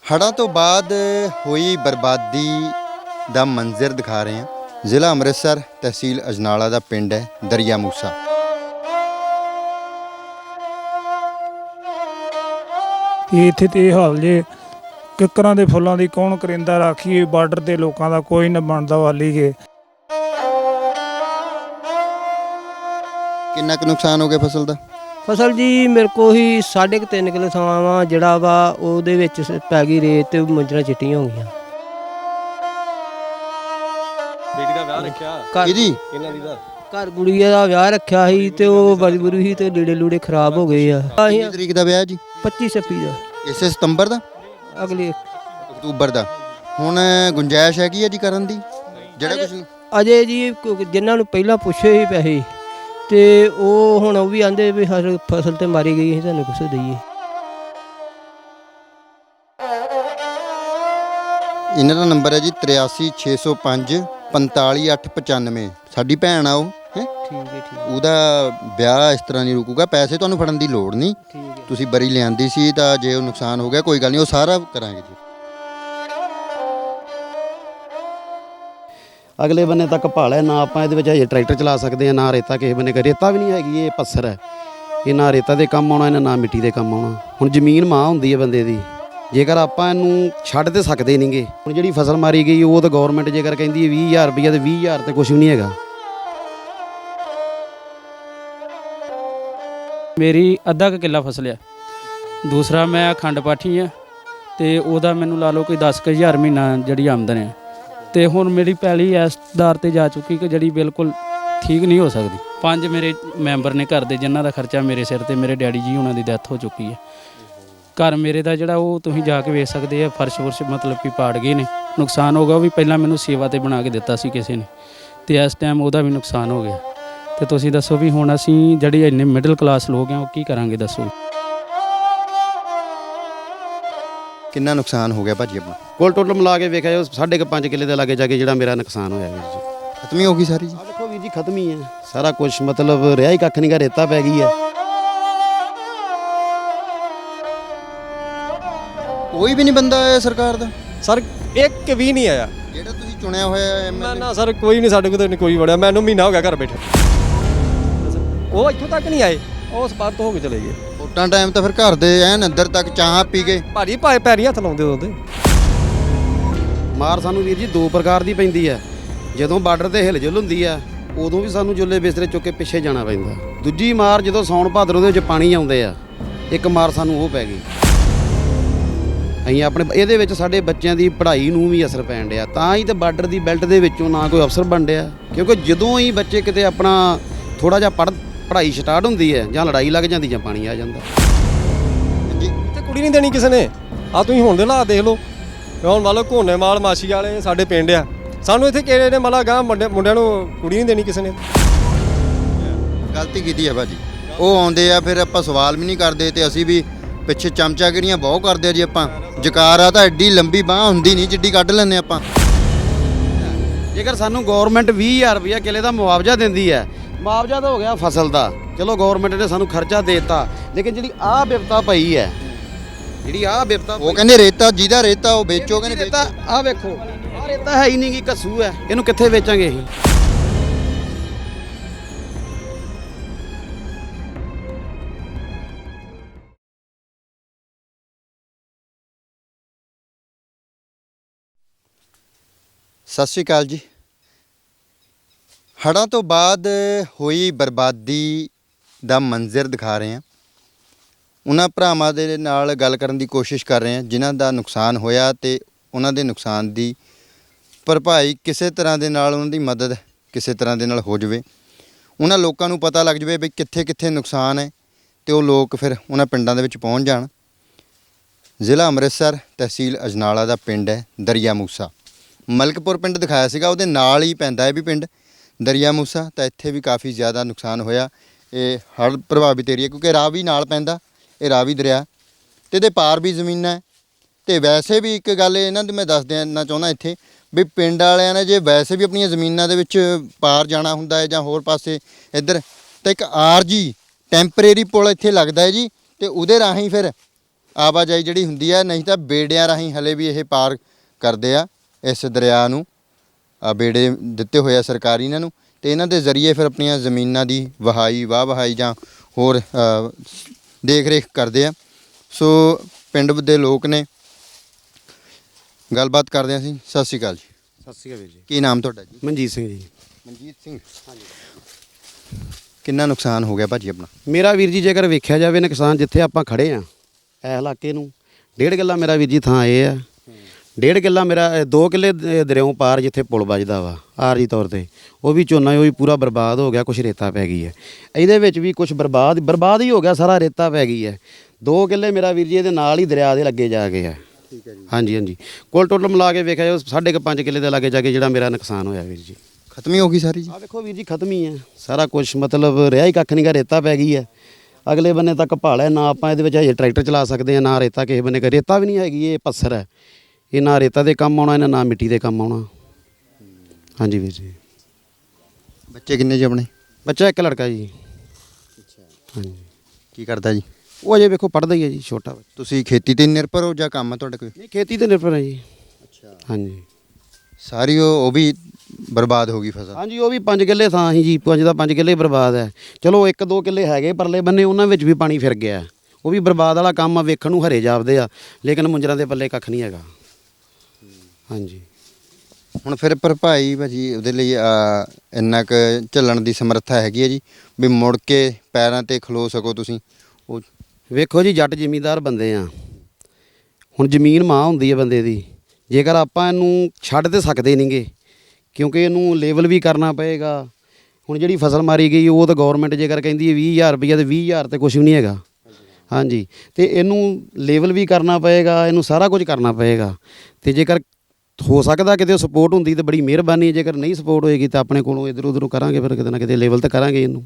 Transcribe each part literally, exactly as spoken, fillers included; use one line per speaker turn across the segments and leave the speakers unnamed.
ਹੜ੍ਹਾਂ ਤੋਂ ਬਾਅਦ ਹੋਈ ਬਰਬਾਦੀ ਦਾ ਮੰਜ਼ਰ ਦਿਖਾ ਰਹੇ ਹਾਂ। ਜ਼ਿਲ੍ਹਾ ਅੰਮ੍ਰਿਤਸਰ, ਤਹਿਸੀਲ ਅਜਨਾਲਾ ਦਾ ਪਿੰਡ ਹੈ ਦਰਿਆ ਮੂਸਾ।
ਇੱਥੇ ਤੇ ਇਹ ਹਾਲ ਜੇ ਕਿੱਕਰਾਂ ਦੇ ਫੁੱਲਾਂ ਦੀ ਕੌਣ ਕਰਿੰਦਾ ਰਾਖੀਏ, ਬਾਰਡਰ ਤੇ ਲੋਕਾਂ ਦਾ ਕੋਈ ਨਾ ਬਣਦਾ ਵਾਲੀ ਗੇ।
ਕਿੰਨਾ ਕੁ ਨੁਕਸਾਨ ਹੋ ਗਿਆ ਫਸਲ ਦਾ?
ਫਸਲ ਜੀ ਮੇਰੇ ਕੋ ਹੀ ਸਾਢੇ ਕੁ ਤਿੰਨ ਕਿੱਲੇ ਥਾਂ ਵਾ, ਜਿਹੜਾ ਵਾ ਉਹਦੇ ਵਿੱਚ ਪੈ ਗਈ ਰੇਤ ਤੇ ਮੰਜਰਾਂ ਚਿੱਟੀਆਂ ਹੋ ਗਈਆਂ।
ਬੇਟੀ ਦਾ ਵਿਆਹ ਰੱਖਿਆ
ਘਰ
ਇਹਦੀ
ਇਹਨਾਂ ਦੀ ਦਾ
ਘਰ ਗੁੜੀਆ ਦਾ ਵਿਆਹ ਰੱਖਿਆ ਸੀ ਤੇ ਉਹ ਬੜੀ ਬੁਰੀ ਸੀ ਤੇ ਲੀੜੇ ਲੂੜੇ ਖਰਾਬ ਹੋ ਗਏ ਆ। ਅਸੀਂ
ਕਿੰਨੀ ਤਰੀਕ ਦਾ ਵਿਆਹ ਜੀ?
ਪੱਚੀ ਛੱਬੀ ਦਾ
ਇਸੇ ਸਤੰਬਰ ਦਾ,
ਅਗਲੇ
ਅਕਤੂਬਰ ਦਾ। ਹੁਣ ਗੁੰਜਾਇਸ਼ ਹੈਗੀ ਹੈ ਜੀ ਕਰਨ ਦੀ ਜਿਹੜਾ ਕੁਝ?
ਅਜੇ ਜੀ ਕ- ਜਿਨ੍ਹਾਂ ਨੂੰ ਪਹਿਲਾਂ ਪੁੱਛੇ ਸੀ ਪੈਸੇ ਤੇ ਉਹ ਹੁਣ ਉਹ ਵੀ ਆਂਦੇ ਵੀ ਹਰ ਫਸਲ ਤੇ ਮਾਰੀ ਗਈ, ਅਸੀਂ ਤੁਹਾਨੂੰ ਕੁਛ ਦਈਏ।
ਇਹਨਾਂ ਦਾ ਨੰਬਰ ਹੈ ਜੀ ਤਰਿਆਸੀ ਛੇ ਸੌ ਪੰਜ ਪੰਤਾਲੀ ਅੱਠ ਪਚਾਨਵੇਂ। ਸਾਡੀ ਭੈਣ ਆ ਉਹ ਹੈ,
ਠੀਕ ਹੈ ਠੀਕ
ਉਹਦਾ ਵਿਆਹ ਇਸ ਤਰ੍ਹਾਂ ਨਹੀਂ ਰੁਕੂਗਾ। ਪੈਸੇ ਤੁਹਾਨੂੰ ਫੜਨ ਦੀ ਲੋੜ ਨਹੀਂ,
ਠੀਕ ਹੈ।
ਤੁਸੀਂ ਬਰੀ ਲਿਆਂਦੀ ਸੀ ਤਾਂ ਜੇ ਉਹ ਨੁਕਸਾਨ ਹੋ ਗਿਆ ਕੋਈ ਗੱਲ ਨਹੀਂ, ਉਹ ਸਾਰਾ ਕਰਾਂਗੇ ਜੀ।
ਅਗਲੇ ਬੰਨੇ ਤੱਕ ਭਾਲ ਹੈ ਨਾ, ਆਪਾਂ ਇਹਦੇ ਵਿੱਚ ਹਜੇ ਟਰੈਕਟਰ ਚਲਾ ਸਕਦੇ ਆ ਨਾ ਰੇਤਾ ਕਿਸੇ ਬੰਨੇ। ਰੇਤਾ ਵੀ ਨਹੀਂ ਹੈਗੀ, ਇਹ ਪੱਥਰ ਹੈ। ਇਹ ਨਾ ਰੇਤਾ ਦੇ ਕੰਮ ਆਉਣਾ ਇਹਨਾਂ, ਨਾ ਮਿੱਟੀ ਦੇ ਕੰਮ ਆਉਣਾ। ਹੁਣ ਜ਼ਮੀਨ ਮਾਂ ਹੁੰਦੀ ਹੈ ਬੰਦੇ ਦੀ, ਜੇਕਰ ਆਪਾਂ ਇਹਨੂੰ ਛੱਡ ਤੇ ਸਕਦੇ ਨਹੀਂਗੇ। ਹੁਣ ਜਿਹੜੀ ਫਸਲ ਮਾਰੀ ਗਈ ਉਹ ਤਾਂ ਗੌਰਮੈਂਟ ਜੇਕਰ ਕਹਿੰਦੀ ਹੈ ਵੀਹ ਹਜ਼ਾਰ ਰੁਪਈਆ, ਤੇ ਵੀਹ ਹਜ਼ਾਰ ਤੇ ਕੁਝ ਵੀ ਨਹੀਂ ਹੈਗਾ।
ਮੇਰੀ ਅੱਧਾ ਕੁ ਕਿੱਲਾ ਫਸਲ ਆ। ਦੂਸਰਾ ਮੈਂ ਅਖੰਡ ਪਾਠੀ ਆ ਤੇ ਉਹਦਾ ਮੈਨੂੰ ਲਾ ਲਓ ਕੋਈ ਦਸ ਕੁ ਹਜ਼ਾਰ ਮਹੀਨਾ ਜਿਹੜੀ ਆਮਦਨ ਹੈ। ਤੇ ਹੁਣ ਮੇਰੀ ਪੈਲੀ ਇਸ ਦਰ ਤੇ ਜਾ ਚੁੱਕੀ ਕਿ ਜਿਹੜੀ ਬਿਲਕੁਲ ਠੀਕ ਨਹੀਂ ਹੋ ਸਕਦੀ। ਪੰਜ ਮੇਰੇ ਮੈਂਬਰ ਨੇ ਘਰ ਦੇ, ਜਿਨ੍ਹਾਂ ਦਾ ਖਰਚਾ ਮੇਰੇ ਸਿਰ ਤੇ। ਮੇਰੇ ਡੈਡੀ ਜੀ ਉਹਨਾਂ ਦੀ ਡੈਥ ਹੋ ਚੁੱਕੀ ਹੈ। ਘਰ ਮੇਰੇ ਦਾ ਜਿਹੜਾ ਉਹ ਤੁਸੀਂ ਜਾ ਕੇ ਵੇਖ ਸਕਦੇ ਆ, ਫਰਸ਼ ਫੁਰਸ਼ ਮਤਲਬ ਕਿ ਪਾੜ ਗਏ ਨੇ। ਨੁਕਸਾਨ ਹੋ ਗਿਆ, ਉਹ ਵੀ ਪਹਿਲਾਂ ਮੈਨੂੰ ਸੇਵਾ ਤੇ ਬਣਾ ਕੇ ਦਿੱਤਾ ਸੀ ਕਿਸੇ ਨੇ, ਤੇ ਇਸ ਟਾਈਮ ਉਹਦਾ ਵੀ ਨੁਕਸਾਨ ਹੋ ਗਿਆ। ਤੇ ਤੁਸੀਂ ਦੱਸੋ ਵੀ ਹੁਣ ਅਸੀਂ ਜਿਹੜੇ ਇੰਨੇ ਮਿਡਲ ਕਲਾਸ ਲੋਕ ਆ ਉਹ ਕੀ ਕਰਾਂਗੇ ਦੱਸੋ?
ਕਿੰਨਾ ਨੁਕਸਾਨ ਹੋ ਗਿਆ ਭਾਜੀ ਆਪਣਾ?
ਕੋਲ ਟੋਟਲ ਮਿਲਾ ਕੇ ਵੇਖਿਆ ਜਾਓ ਸਾਢੇ ਕੁ ਪੰਜ ਕਿੱਲੇ ਦੇ ਲਾਗੇ ਜਾ ਕੇ ਜਿਹੜਾ ਮੇਰਾ ਨੁਕਸਾਨ ਹੋਇਆ ਵੀਰ ਜੀ।
ਖਤਮ ਹੀ ਹੋ ਗਈ ਸਾਰੀ ਜੀ?
ਆ ਦੇਖੋ ਵੀਰ ਜੀ, ਖਤਮ ਹੀ ਹੈ ਸਾਰਾ ਕੁਝ, ਮਤਲਬ ਰਿਹਾ ਹੀ ਕੱਖ ਨਹੀਂ ਗਾ, ਰੇਤਾ ਪੈ ਗਈ ਹੈ।
ਕੋਈ ਵੀ ਨਹੀਂ ਬੰਦਾ ਆਇਆ ਸਰਕਾਰ ਦਾ?
ਸਰ ਇੱਕ ਵੀ ਨਹੀਂ ਆਇਆ
ਜਿਹੜਾ ਤੁਸੀਂ ਚੁਣਿਆ ਹੋਇਆ
ਨਾ
ਐਮਐਲਏ?
ਨਾ ਸਰ, ਕੋਈ ਨਹੀਂ ਸਾਡੇ ਕੋਲ ਤਾਂ ਕੋਈ ਵੜਿਆ। ਮੈਨੂੰ ਮਹੀਨਾ ਹੋ ਗਿਆ ਘਰ ਬੈਠੇ। ਉਹ ਇੱਥੋਂ ਤੱਕ ਨਹੀਂ ਆਏ, ਉਹ ਸਪਾਰ ਤੋਂ ਹੋ ਕੇ ਚਲੇ ਗਏ।
ਵੋਟਾਂ ਟਾਈਮ ਤਾਂ ਫਿਰ ਘਰ ਦੇ ਐਨ ਅੰਦਰ ਤੱਕ ਚਾਹ ਪੀ ਗਏ।
ਭਾਜੀ ਭਾਏ ਪੈਰੀ ਹੱਥ ਲਾਉਂਦੇ ਉਹਦੇ।
ਮਾਰ ਸਾਨੂੰ ਵੀਰ ਜੀ ਦੋ ਪ੍ਰਕਾਰ ਦੀ ਪੈਂਦੀ ਹੈ। ਜਦੋਂ ਬਾਰਡਰ ਤੇ ਹਿਲਜੁਲ ਹੁੰਦੀ ਆ ਉਦੋਂ ਵੀ ਸਾਨੂੰ ਜੁੱਲੇ ਬਿਸਤਰੇ ਚੁੱਕ ਕੇ ਪਿੱਛੇ ਜਾਣਾ ਪੈਂਦਾ। ਦੂਜੀ ਮਾਰ ਜਦੋਂ ਸੌਣ ਭਾਦਰੋਂ ਦੇ ਵਿੱਚ ਪਾਣੀ ਆਉਂਦੇ ਆ, ਇੱਕ ਮਾਰ ਸਾਨੂੰ ਉਹ ਪੈ ਗਈ। ਅਸੀਂ ਆਪਣੇ ਇਹਦੇ ਵਿੱਚ ਸਾਡੇ ਬੱਚਿਆਂ ਦੀ ਪੜ੍ਹਾਈ ਨੂੰ ਵੀ ਅਸਰ ਪੈਣ ਡਿਆ। ਤਾਂ ਹੀ ਤਾਂ ਬਾਰਡਰ ਦੀ ਬੈਲਟ ਦੇ ਵਿੱਚੋਂ ਨਾ ਕੋਈ ਅਫਸਰ ਬਣ ਡਿਆ, ਕਿਉਂਕਿ ਜਦੋਂ ਹੀ ਬੱਚੇ ਕਿਤੇ ਆਪਣਾ ਥੋੜਾ ਜਿਹਾ ਪੜ੍ਹ ਪੜ੍ਹਾਈ ਸਟਾਰਟ ਹੁੰਦੀ ਹੈ, ਜਾਂ ਲੜਾਈ ਲੱਗ ਜਾਂਦੀ ਜਾਂ ਪਾਣੀ ਆ ਜਾਂਦਾ।
ਤੇ ਕੁੜੀ ਨਹੀਂ ਦੇਣੀ ਕਿਸੇ ਨੇ। ਆ ਤੁਸੀਂ ਹੁਣ ਦੇ ਹਾਲਾਤ ਦੇਖ ਲਓ। ਹੁਣ ਮੰਨ ਲਓ ਘੋਨੇਵਾਲ ਮਾਛੀ ਵਾਲੇ ਸਾਡੇ ਪਿੰਡ ਆ, ਸਾਨੂੰ ਇੱਥੇ ਕਿਹੜੇ ਨੇ ਮਤਲਬ ਗਾਂ ਮੁੰਡਿਆਂ ਨੂੰ ਕੁੜੀ ਨਹੀਂ ਦੇਣੀ ਕਿਸੇ ਨੇ।
ਗਲਤੀ ਕੀਤੀ ਹੈ ਭਾਜੀ। ਉਹ ਆਉਂਦੇ ਆ ਫਿਰ ਆਪਾਂ ਸਵਾਲ ਵੀ ਨਹੀਂ ਕਰਦੇ, ਤੇ ਅਸੀਂ ਵੀ ਪਿੱਛੇ ਚਮਚਾਗਿਰੀਆਂ ਬਹੁਤ ਕਰਦੇ ਆ ਜੀ। ਆਪਾਂ ਜਕਾਰਾ ਤਾਂ ਐਡੀ ਲੰਬੀ ਬਾਹ ਹੁੰਦੀ ਨਹੀਂ ਜਿੱਡੀ ਕੱਢ ਲੈਂਦੇ ਆਪਾਂ।
ਜੇਕਰ ਸਾਨੂੰ ਗੌਰਮੈਂਟ ਵੀਹ ਹਜ਼ਾਰ ਰੁਪਈਆ ਕਿੱਲੇ ਦਾ ਮੁਆਵਜ਼ਾ ਦਿੰਦੀ ਹੈ, ਮੁਆਵਜ਼ਾ ਤਾਂ ਹੋ ਗਿਆ ਫਸਲ ਦਾ, ਚਲੋ ਗੌਰਮੈਂਟ ਨੇ ਸਾਨੂੰ ਖਰਚਾ ਦੇ ਦਿੱਤਾ, ਲੇਕਿਨ ਜਿਹੜੀ ਆਹ ਬਿਪਤਾ ਪਈ ਹੈ, ਜਿਹੜੀ ਆਹ ਬਿਪਤਾ
ਉਹ ਕਹਿੰਦੇ ਰੇਤਾ ਜਿਹਦਾ ਰੇਤਾ ਉਹ ਵੇਚੋ, ਕਹਿੰਦੇ
ਰੇਤਾ ਆਹ ਵੇਖੋ, ਆਹ ਰੇਤਾ ਹੈ ਹੀ ਨਹੀਂ ਗੀ, ਘੱਸੂ ਹੈ, ਇਹਨੂੰ ਕਿੱਥੇ ਵੇਚਾਂਗੇ ਅਸੀਂ?
ਸਤਿ ਸ਼੍ਰੀ ਅਕਾਲ ਜੀ। ਹੜ੍ਹਾਂ ਤੋਂ ਬਾਅਦ ਹੋਈ ਬਰਬਾਦੀ ਦਾ ਮੰਜ਼ਰ ਦਿਖਾ ਰਹੇ ਹਾਂ। ਉਹਨਾਂ ਭਰਾਵਾਂ ਦੇ ਨਾਲ ਗੱਲ ਕਰਨ ਦੀ ਕੋਸ਼ਿਸ਼ ਕਰ ਰਹੇ ਹਾਂ ਜਿਨ੍ਹਾਂ ਦਾ ਨੁਕਸਾਨ ਹੋਇਆ, ਤੇ ਉਹਨਾਂ ਦੇ ਨੁਕਸਾਨ ਦੀ ਭਰਪਾਈ ਕਿਸੇ ਤਰ੍ਹਾਂ ਦੇ ਨਾਲ, ਉਹਨਾਂ ਦੀ ਮਦਦ ਕਿਸੇ ਤਰ੍ਹਾਂ ਦੇ ਨਾਲ ਹੋ ਜਾਵੇ। ਉਹਨਾਂ ਲੋਕਾਂ ਨੂੰ ਪਤਾ ਲੱਗ ਜਾਵੇ ਵੀ ਕਿੱਥੇ ਕਿੱਥੇ ਨੁਕਸਾਨ ਹੈ, ਤੇ ਉਹ ਲੋਕ ਫਿਰ ਉਹਨਾਂ ਪਿੰਡਾਂ ਦੇ ਵਿੱਚ ਪਹੁੰਚ ਜਾਣ। ਜ਼ਿਲ੍ਹਾ ਅੰਮ੍ਰਿਤਸਰ, ਤਹਿਸੀਲ ਅਜਨਾਲਾ ਦਾ ਪਿੰਡ ਹੈ ਦਰਿਆ ਮੂਸਾ। ਮਲਕਪੁਰ ਪਿੰਡ ਦਿਖਾਇਆ ਸੀਗਾ, ਉਹਦੇ ਨਾਲ ਹੀ ਪੈਂਦਾ ਹੈ ਵੀ ਪਿੰਡ ਦਰਿਆ ਮੂਸਾ। ਤਾਂ ਇੱਥੇ ਵੀ ਕਾਫੀ ਜ਼ਿਆਦਾ ਨੁਕਸਾਨ ਹੋਇਆ। ਇਹ ਹੜ੍ਹ ਪ੍ਰਭਾਵਿਤ ਏਰੀਆ, ਕਿਉਂਕਿ ਰਾਵੀ ਨਾਲ ਪੈਂਦਾ, ਇਹ ਰਾਵੀ ਦਰਿਆ, ਅਤੇ ਇਹਦੇ ਪਾਰ ਵੀ ਜ਼ਮੀਨਾਂ ਹੈ। ਅਤੇ ਵੈਸੇ ਵੀ ਇੱਕ ਗੱਲ ਇਹਨਾਂ ਦੀ ਮੈਂ ਦੱਸ ਦੇਣਾ ਚਾਹੁੰਦਾ ਇੱਥੇ ਵੀ ਪਿੰਡ ਵਾਲਿਆਂ ਨੇ ਜੇ ਵੈਸੇ ਵੀ ਆਪਣੀਆਂ ਜ਼ਮੀਨਾਂ ਦੇ ਵਿੱਚ ਪਾਰ ਜਾਣਾ ਹੁੰਦਾ ਹੈ ਜਾਂ ਹੋਰ ਪਾਸੇ ਇੱਧਰ, ਤਾਂ ਇੱਕ ਆਰਜੀ ਟੈਂਪਰੇਰੀ ਪੁਲ ਇੱਥੇ ਲੱਗਦਾ ਹੈ ਜੀ, ਅਤੇ ਉਹਦੇ ਰਾਹੀਂ ਫਿਰ ਆਵਾਜਾਈ ਜਿਹੜੀ ਹੁੰਦੀ ਹੈ, ਨਹੀਂ ਤਾਂ ਬੇੜਿਆਂ ਰਾਹੀਂ ਹਲੇ ਵੀ ਇਹ ਪਾਰ ਕਰਦੇ ਆ ਇਸ ਦਰਿਆ ਨੂੰ। ਆ ਬੇੜੇ ਦਿੱਤੇ ਹੋਏ ਆ ਸਰਕਾਰੀ ਇਹਨਾਂ ਨੂੰ, ਤੇ ਇਹਨਾਂ ਦੇ ਜ਼ਰੀਏ ਫਿਰ ਆਪਣੀਆਂ ਜ਼ਮੀਨਾਂ ਦੀ ਵਹਾਈ ਵਾਹ ਵਹਾਈ ਜਾਂ ਹੋਰ ਅ, ਦੇਖ ਰੇਖ ਕਰਦੇ ਆ। ਸੋ ਪਿੰਡ ਦੇ ਲੋਕ ਨੇ, ਗੱਲਬਾਤ ਕਰਦੇ ਹਾਂ ਅਸੀਂ। ਸਤਿ ਸ਼੍ਰੀ ਅਕਾਲ ਜੀ।
ਸਤਿ ਸ਼੍ਰੀ ਅਕਾਲ ਵੀਰ ਜੀ।
ਕੀ ਨਾਮ ਤੁਹਾਡਾ ਜੀ?
ਮਨਜੀਤ ਸਿੰਘ ਜੀ।
ਮਨਜੀਤ ਸਿੰਘ। ਕਿੰਨਾ ਨੁਕਸਾਨ ਹੋ ਗਿਆ ਭਾਜੀ ਆਪਣਾ?
ਮੇਰਾ ਵੀਰ ਜੀ ਜੇਕਰ ਵੇਖਿਆ ਜਾਵੇ ਨੁਕਸਾਨ ਜਿੱਥੇ ਆਪਾਂ ਖੜੇ ਆ ਇਹ ਇਲਾਕੇ ਨੂੰ, ਡੇਢ ਕਿੱਲਾ ਮੇਰਾ ਵੀਰ ਜੀ ਥਾਂ ਇਹ ਆ। ਡੇਢ ਕਿੱਲਾ ਮੇਰਾ ਦੋ ਕਿੱਲੇ ਦ- ਦਰਿਆਓਂ ਪਾਰ ਜਿੱਥੇ ਪੁਲ ਵੱਜਦਾ ਵਾ ਆਰਜੀ ਤੌਰ ਤੇ, ਉਹ ਵੀ ਝੋਨਾ ਉਹ ਵੀ ਪੂਰਾ ਬਰਬਾਦ ਹੋ ਗਿਆ। ਕੁਛ ਰੇਤਾ ਪੈ ਗਈ ਹੈ ਇਹਦੇ ਵਿੱਚ ਵੀ, ਕੁਛ ਬਰਬਾਦ ਬਰਬਾਦ ਹੀ ਹੋ ਗਿਆ ਸਾਰਾ, ਰੇਤਾ ਪੈ ਗਈ ਹੈ। ਦੋ ਕਿੱਲੇ ਮੇਰਾ ਵੀਰ ਜੀ ਇਹਦੇ ਨਾਲ ਹੀ ਦਰਿਆ ਦੇ ਲੱਗੇ ਜਾ ਕੇ ਹੈ।
ਠੀਕ ਹੈ ਜੀ।
ਹਾਂਜੀ ਹਾਂਜੀ, ਕੁੱਲ ਟੋਟਲ ਮਿਲਾ ਕੇ ਵੇਖਿਆ ਜਾਵੇ ਸਾਢੇ ਕੁ ਪੰਜ ਕਿੱਲੇ ਦੇ ਲਾਗੇ ਜਾ ਕੇ ਜਿਹੜਾ ਮੇਰਾ ਨੁਕਸਾਨ ਹੋਇਆ ਵੀਰ ਜੀ।
ਖਤਮ ਹੀ ਹੋ ਗਈ ਸਾਰੀ ਜੀ?
ਆ ਵੇਖੋ ਵੀਰ ਜੀ ਖਤਮ ਹੀ ਹੈ ਸਾਰਾ ਕੁਝ, ਮਤਲਬ ਰਿਹਾ ਹੀ ਕੱਖ ਨਹੀਂ ਗਾ, ਰੇਤਾ ਪੈ ਗਈ ਹੈ। ਅਗਲੇ ਬੰਨੇ ਤੱਕ ਭਾਲਾ ਨਾ ਆਪਾਂ ਇਹਦੇ ਵਿੱਚ ਹਜੇ ਟਰੈਕਟਰ ਚਲਾ ਸਕਦੇ ਆ, ਨਾ ਰੇਤਾ ਕਿਸੇ ਬੰਨੇ ਕ ਰੇਤਾ ਵੀ ਨਹੀਂ ਹੈਗੀ। ਇਹ ਪੱਥਰ ਹੈ, ਇਹ ਨਾ ਰੇਤਾ ਦੇ ਕੰਮ ਆਉਣਾ, ਇਹਨਾਂ ਨਾ ਮਿੱਟੀ ਦੇ ਕੰਮ ਆਉਣਾ। ਹਾਂਜੀ ਵੀਰ ਜੀ।
ਬੱਚੇ ਕਿੰਨੇ ਜੀ ਆਪਣੇ?
ਬੱਚਾ ਇੱਕ ਲੜਕਾ ਜੀ। ਹਾਂਜੀ।
ਕੀ ਕਰਦਾ ਜੀ?
ਉਹ ਅਜੇ ਵੇਖੋ ਪੜ੍ਹਦਾ ਹੀ ਹੈ ਜੀ, ਛੋਟਾ ਬੱਚਾ।
ਤੁਸੀਂ ਖੇਤੀ ਤੇ ਨਿਰਭਰ ਹੋ ਜਾਂ ਕੰਮ ਹੈ ਤੁਹਾਡਾ ਕੋਈ?
ਨਹੀਂ ਖੇਤੀ ਤੇ ਨਿਰਭਰ ਹੈ ਜੀ।
ਅੱਛਾ।
ਹਾਂਜੀ
ਸਾਰੀ ਉਹ ਉਹ ਵੀ ਬਰਬਾਦ ਹੋ ਗਈ ਫਸਲ?
ਹਾਂਜੀ, ਉਹ ਵੀ ਪੰਜ ਕਿੱਲੇ ਥਾਂ ਸੀ ਜੀ, ਪੰਜ ਦਾ ਪੰਜ ਕਿੱਲੇ ਬਰਬਾਦ ਹੈ। ਚਲੋ ਇੱਕ ਦੋ ਕਿੱਲੇ ਹੈਗੇ ਪਰਲੇ ਬੰਨੇ, ਉਹਨਾਂ ਵਿੱਚ ਵੀ ਪਾਣੀ ਫਿਰ ਗਿਆ। ਉਹ ਵੀ ਬਰਬਾਦ ਵਾਲਾ ਕੰਮ ਆ, ਵੇਖਣ ਨੂੰ ਹਰੇ ਜਾਪਦੇ ਆ ਲੇਕਿਨ ਮੁੰਜਰਾਂ ਦੇ ਪੱਲੇ ਕੱਖ ਨਹੀਂ ਹੈਗਾ। ਹਾਂਜੀ।
ਹੁਣ ਫਿਰ ਭਰਪਾਈ ਭਾਜੀ ਉਹਦੇ ਲਈ ਅ, ਇੰਨਾ ਕੁ ਝੱਲਣ ਦੀ ਸਮਰੱਥਾ ਹੈਗੀ ਹੈ ਜੀ ਵੀ ਮੁੜ ਕੇ ਪੈਰਾਂ ਤੇ ਖਲੋ ਸਕੋ ਤੁਸੀਂ? ਉਹ
ਵੇਖੋ ਜੀ, ਜੱਟ ਜ਼ਿਮੀਂਦਾਰ ਬੰਦੇ ਆ, ਹੁਣ ਜ਼ਮੀਨ ਮਾਂ ਹੁੰਦੀ ਹੈ ਬੰਦੇ ਦੀ। ਜੇਕਰ ਆਪਾਂ ਇਹਨੂੰ ਛੱਡ ਤੇ ਸਕਦੇ ਨਹੀਂਗੇ, ਕਿਉਂਕਿ ਇਹਨੂੰ ਲੇਵਲ ਵੀ ਕਰਨਾ ਪਏਗਾ। ਹੁਣ ਜਿਹੜੀ ਫਸਲ ਮਾਰੀ ਗਈ ਉਹ ਤਾਂ ਗਵਰਨਮੈਂਟ ਜੇਕਰ ਕਹਿੰਦੀ ਹੈ ਵੀਹ ਹਜ਼ਾਰ ਰੁਪਈਆ, ਤੇ ਵੀਹ ਹਜ਼ਾਰ ਤੇ ਕੁਝ ਵੀ ਨਹੀਂ ਹੈਗਾ। ਹਾਂਜੀ, ਤੇ ਇਹਨੂੰ ਲੇਵਲ ਵੀ ਕਰਨਾ ਪਏਗਾ, ਇਹਨੂੰ ਸਾਰਾ ਕੁਝ ਕਰਨਾ ਪਏਗਾ। ਤੇ ਜੇਕਰ ਹੋ ਸਕਦਾ ਕਿਤੇ ਸਪੋਰਟ ਹੁੰਦੀ ਤਾਂ ਬੜੀ ਮਿਹਰਬਾਨੀ, ਜੇਕਰ ਨਹੀਂ ਸਪੋਰਟ ਹੋਏਗੀ ਤਾਂ ਆਪਣੇ ਕੋਲੋਂ ਇੱਧਰ ਉੱਧਰ ਕਰਾਂਗੇ, ਫਿਰ ਕਿਤੇ ਨਾ ਕਿਤੇ ਲੇਵਲ ਤੇ ਕਰਾਂਗੇ ਇਹਨੂੰ।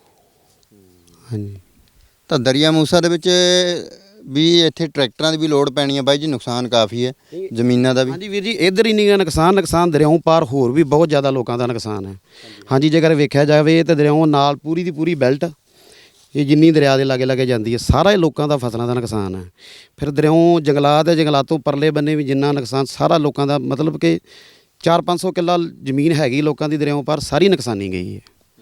ਹਾਂਜੀ।
ਤਾਂ ਦਰਿਆ ਮੂਸਾ ਦੇ ਵਿੱਚ ਵੀ ਇੱਥੇ ਟਰੈਕਟਰਾਂ ਦੀ ਵੀ ਲੋੜ ਪੈਣੀ ਹੈ ਬਾਈ ਜੀ, ਨੁਕਸਾਨ ਕਾਫੀ ਹੈ ਜ਼ਮੀਨਾਂ ਦਾ ਵੀ।
ਹਾਂਜੀ ਵੀਰ ਜੀ, ਇੱਧਰ ਹੀ ਨਹੀਂ ਗਾ ਨੁਕਸਾਨ, ਨੁਕਸਾਨ ਦਰਿਆਓਂ ਪਾਰ ਹੋਰ ਵੀ ਬਹੁਤ ਜ਼ਿਆਦਾ ਲੋਕਾਂ ਦਾ ਨੁਕਸਾਨ ਹੈ। ਹਾਂਜੀ, ਜੇਕਰ ਵੇਖਿਆ ਜਾਵੇ ਤਾਂ ਦਰਿਆਓਂ ਨਾਲ ਪੂਰੀ ਦੀ ਪੂਰੀ ਬੈਲਟ, ਇਹ ਜਿੰਨੀ ਦਰਿਆ ਦੇ ਲਾਗੇ ਲਾਗੇ ਜਾਂਦੀ ਹੈ, ਸਾਰਾ ਹੀ ਲੋਕਾਂ ਦਾ ਫਸਲਾਂ ਦਾ ਨੁਕਸਾਨ ਹੈ। ਫਿਰ ਦਰਿਆਓਂ ਜੰਗਲਾਤ ਹੈ, ਜੰਗਲਾਤੋਂ ਪਰਲੇ ਬੰਨੇ ਵੀ ਜਿੰਨਾ ਨੁਕਸਾਨ, ਸਾਰਾ ਲੋਕਾਂ ਦਾ, ਮਤਲਬ ਕਿ ਚਾਰ ਪੰਜ ਸੌ ਕਿੱਲਾ ਜ਼ਮੀਨ ਹੈਗੀ ਲੋਕਾਂ ਦੀ ਦਰਿਆਓਂ ਪਾਰ, ਸਾਰੀ ਨੁਕਸਾਨੀ ਗਈ ਹੈ।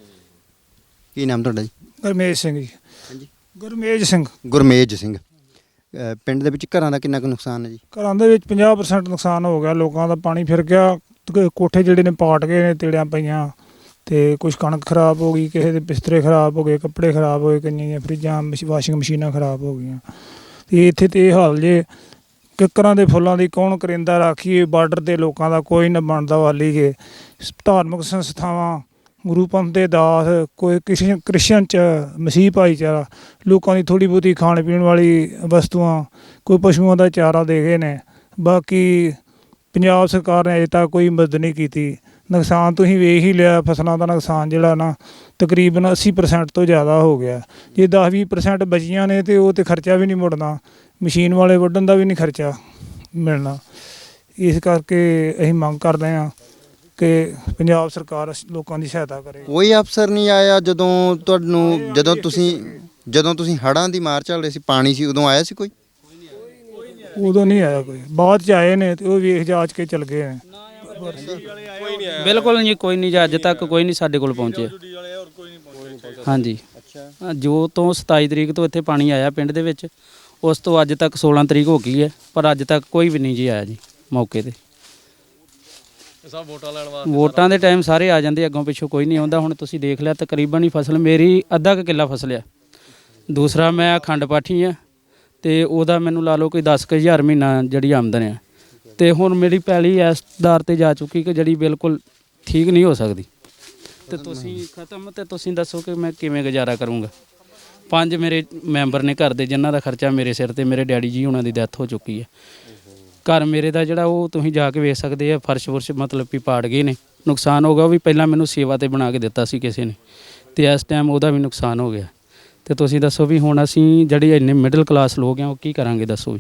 ਕੀ ਨਾਮ ਤੁਹਾਡਾ ਜੀ?
ਗੁਰਮੇਜ ਸਿੰਘ ਜੀ।
ਹਾਂਜੀ।
ਗੁਰਮੇਜ ਸਿੰਘ।
ਗੁਰਮੇਜ ਸਿੰਘ। ਅ, ਪਿੰਡ ਦੇ ਵਿੱਚ ਘਰਾਂ ਦਾ ਕਿੰਨਾ ਕੁ ਨੁਕਸਾਨ ਹੈ ਜੀ?
ਘਰਾਂ ਦੇ ਵਿੱਚ ਪੰਜਾਹ ਪ੍ਰਸੈਂਟ ਨੁਕਸਾਨ ਹੋ ਗਿਆ ਲੋਕਾਂ ਦਾ, ਪਾਣੀ ਫਿਰ ਗਿਆ। ਤੇ ਕੋਠੇ ਜਿਹੜੇ ਨੇ ਪਾਟ ਗਏ ਨੇ, ਤੇੜਿਆਂ ਪਈਆਂ, ਤੇ ਕੁਝ ਕਣਕ ਖਰਾਬ ਹੋ ਗਈ, ਕਿਸੇ ਦੇ ਬਿਸਤਰੇ ਖਰਾਬ ਹੋ ਗਏ, ਕੱਪੜੇ ਖਰਾਬ ਹੋਏ, ਕਈਆਂ ਦੀਆਂ ਫਰਿੱਜਾਂ, ਮਸ਼- ਵਾਸ਼ਿੰਗ ਮਸ਼ੀਨਾਂ ਖਰਾਬ ਹੋ ਗਈਆਂ। ਤੇ ਇੱਥੇ ਤੇ ਇਹ ਹਾਲ ਜੇ, ਕਿੱਕਰਾਂ ਦੇ ਫੁੱਲਾਂ ਦੀ ਕੌਣ ਕਰਿੰਦਾ ਰਾਖੀਏ, ਬਾਰਡਰ ਦੇ ਲੋਕਾਂ ਦਾ ਕੋਈ ਨਾ ਬਣਦਾ ਵਾਲੀ ਗੇ। ਧਾਰਮਿਕ ਸੰਸਥਾਵਾਂ, ਗੁਰੂ ਪੰਥ ਦੇ ਦਾਸ, ਕੋਈ ਕਿਸੇ ਕ੍ਰਿਸਚਨ ਚ ਮਸੀਹ ਭਾਈਚਾਰਾ, ਲੋਕਾਂ ਦੀ ਥੋੜ੍ਹੀ ਬਹੁਤੀ ਖਾਣ ਪੀਣ ਵਾਲੀ ਵਸਤੂਆਂ, ਕੋਈ ਪਸ਼ੂਆਂ ਦਾ ਚਾਰਾ ਦੇ ਗਏ ਨੇ। ਬਾਕੀ ਪੰਜਾਬ ਸਰਕਾਰ ਨੇ ਅਜੇ ਤੱਕ ਕੋਈ ਮਦਦ ਨਹੀਂ ਕੀਤੀ। ਨੁਕਸਾਨ ਤੁਸੀਂ ਵੇਖ ਹੀ ਲਿਆ, ਫਸਲਾਂ ਦਾ ਨੁਕਸਾਨ ਜਿਹੜਾ ਨਾ ਤਕਰੀਬਨ ਅੱਸੀ ਪ੍ਰਸੈਂਟ ਤੋਂ ਜ਼ਿਆਦਾ ਹੋ ਗਿਆ। ਜੇ ਦਸ ਵੀਹ ਪ੍ਰਸੈਂਟ ਬਚੀਆਂ ਨੇ ਤੇ ਉਹ ਤੇ ਖਰਚਾ ਵੀ ਨਹੀਂ ਮੁੜਨਾ, ਮਸ਼ੀਨ ਵਾਲੇ ਵੱਢਣ ਦਾ ਵੀ ਨਹੀਂ ਖਰਚਾ ਮਿਲਣਾ। ਇਸ ਕਰਕੇ ਅਸੀਂ ਮੰਗ ਕਰਦੇ ਹਾਂ ਕਿ ਪੰਜਾਬ ਸਰਕਾਰ ਅਸ- ਲੋਕਾਂ ਦੀ ਸਹਾਇਤਾ ਕਰੇ।
ਕੋਈ ਅਫਸਰ ਨਹੀਂ ਆਇਆ ਜਦੋਂ ਤੁਹਾਨੂੰ, ਜਦੋਂ ਤੁਸੀਂ ਜਦੋਂ ਤੁਸੀਂ ਹੜ੍ਹਾਂ ਦੀ ਮਾਰ ਚੱਲ ਰਹੇ ਸੀ, ਪਾਣੀ ਸੀ, ਉਦੋਂ ਆਇਆ ਸੀ ਕੋਈ?
ਉਦੋਂ ਨਹੀਂ ਆਇਆ ਕੋਈ, ਬਾਅਦ ਚ ਆਏ ਨੇ ਤੇ ਉਹ ਵੇਖ ਜਾਚ ਕੇ ਚਲ ਗਏ ਨੇ।
ਬਿਲਕੁਲ ਨਹੀਂ, ਕੋਈ ਨਹੀਂ ਜੀ, ਅੱਜ ਤੱਕ ਕੋਈ ਨਹੀਂ ਸਾਡੇ ਕੋਲ ਪਹੁੰਚਿਆ। ਹਾਂਜੀ। ਅੱਛਾ। ਜੋ ਤੋਂ ਸਤਾਈ ਤਰੀਕ ਤੋਂ ਇੱਥੇ ਪਾਣੀ ਆਇਆ ਪਿੰਡ ਦੇ ਵਿੱਚ, ਉਸ ਤੋਂ ਅੱਜ ਤੱਕ ਸੋਲਾਂ ਤਰੀਕ ਹੋ ਗਈ ਹੈ, ਪਰ ਅੱਜ ਤੱਕ ਕੋਈ ਵੀ ਨਹੀਂ ਜੀ ਆਇਆ ਜੀ ਮੌਕੇ ਤੇ।
ਸਭ ਵੋਟਾਂ ਲੈਣ ਵਾਸਤੇ,
ਵੋਟਾਂ ਦੇ ਟਾਈਮ ਸਾਰੇ ਆ ਜਾਂਦੇ, ਅੱਗੋਂ ਪਿੱਛੋਂ ਕੋਈ ਨਹੀਂ ਆਉਂਦਾ। ਹੁਣ ਤੁਸੀਂ ਦੇਖ ਲਿਆ, ਤਕਰੀਬਨ ਹੀ ਫਸਲ ਮੇਰੀ ਅੱਧਾ ਕੁ ਕਿੱਲਾ ਫਸਲ ਆ। ਦੂਸਰਾ ਮੈਂ ਅਖੰਡ ਪਾਠੀ ਆ, ਤੇ ਉਹਦਾ ਮੈਨੂੰ ਲਾ ਲਓ ਕੋਈ ਦਸ ਕੁ ਹਜ਼ਾਰ ਮਹੀਨਾ ਜਿਹੜੀ ਆਮਦਨ ਆ। ਤੇ ਹੁਣ ਮੇਰੀ ਪੈਲੀ ਇਸ ਦਰ ਤੇ ਜਾ ਚੁੱਕੀ ਕਿ ਜਿਹੜੀ ਬਿਲਕੁਲ ਠੀਕ ਨਹੀਂ ਹੋ ਸਕਦੀ। ਤੇ ਤੁਸੀਂ ਖਤਮ, ਤੇ ਤੁਸੀਂ ਦੱਸੋ ਕਿ ਮੈਂ ਕਿਵੇਂ ਗੁਜ਼ਾਰਾ ਕਰੂੰਗਾ? ਪੰਜ ਮੇਰੇ ਮੈਂਬਰ ਨੇ ਘਰ ਦੇ, ਜਿਨ੍ਹਾਂ ਦਾ ਖਰਚਾ ਮੇਰੇ ਸਿਰ ਤੇ, ਮੇਰੇ ਡੈਡੀ ਜੀ ਉਹਨਾਂ ਦੀ ਡੈਥ ਹੋ ਚੁੱਕੀ ਹੈ। ਘਰ ਮੇਰੇ ਦਾ ਜਿਹੜਾ ਉਹ ਤੁਸੀਂ ਜਾ ਕੇ ਵੇਖ ਸਕਦੇ ਆ, ਫਰਸ਼ ਫੁਰਸ਼ ਮਤਲਬ ਵੀ ਪਾੜ ਗਏ ਨੇ, ਨੁਕਸਾਨ ਹੋ ਗਿਆ। ਉਹ ਵੀ ਪਹਿਲਾਂ ਮੈਨੂੰ ਸੇਵਾ ਤੇ ਬਣਾ ਕੇ ਦਿੱਤਾ ਸੀ ਕਿਸੇ ਨੇ, ਤੇ ਇਸ ਟਾਈਮ ਉਹਦਾ ਵੀ ਨੁਕਸਾਨ ਹੋ ਗਿਆ। ਤੇ ਤੁਸੀਂ ਦੱਸੋ ਵੀ ਹੁਣ ਅਸੀਂ ਜਿਹੜੇ ਇੰਨੇ ਮਿਡਲ ਕਲਾਸ ਲੋਕ ਆ, ਉਹ ਕੀ ਕਰਾਂਗੇ ਦੱਸੋ ਵੀ?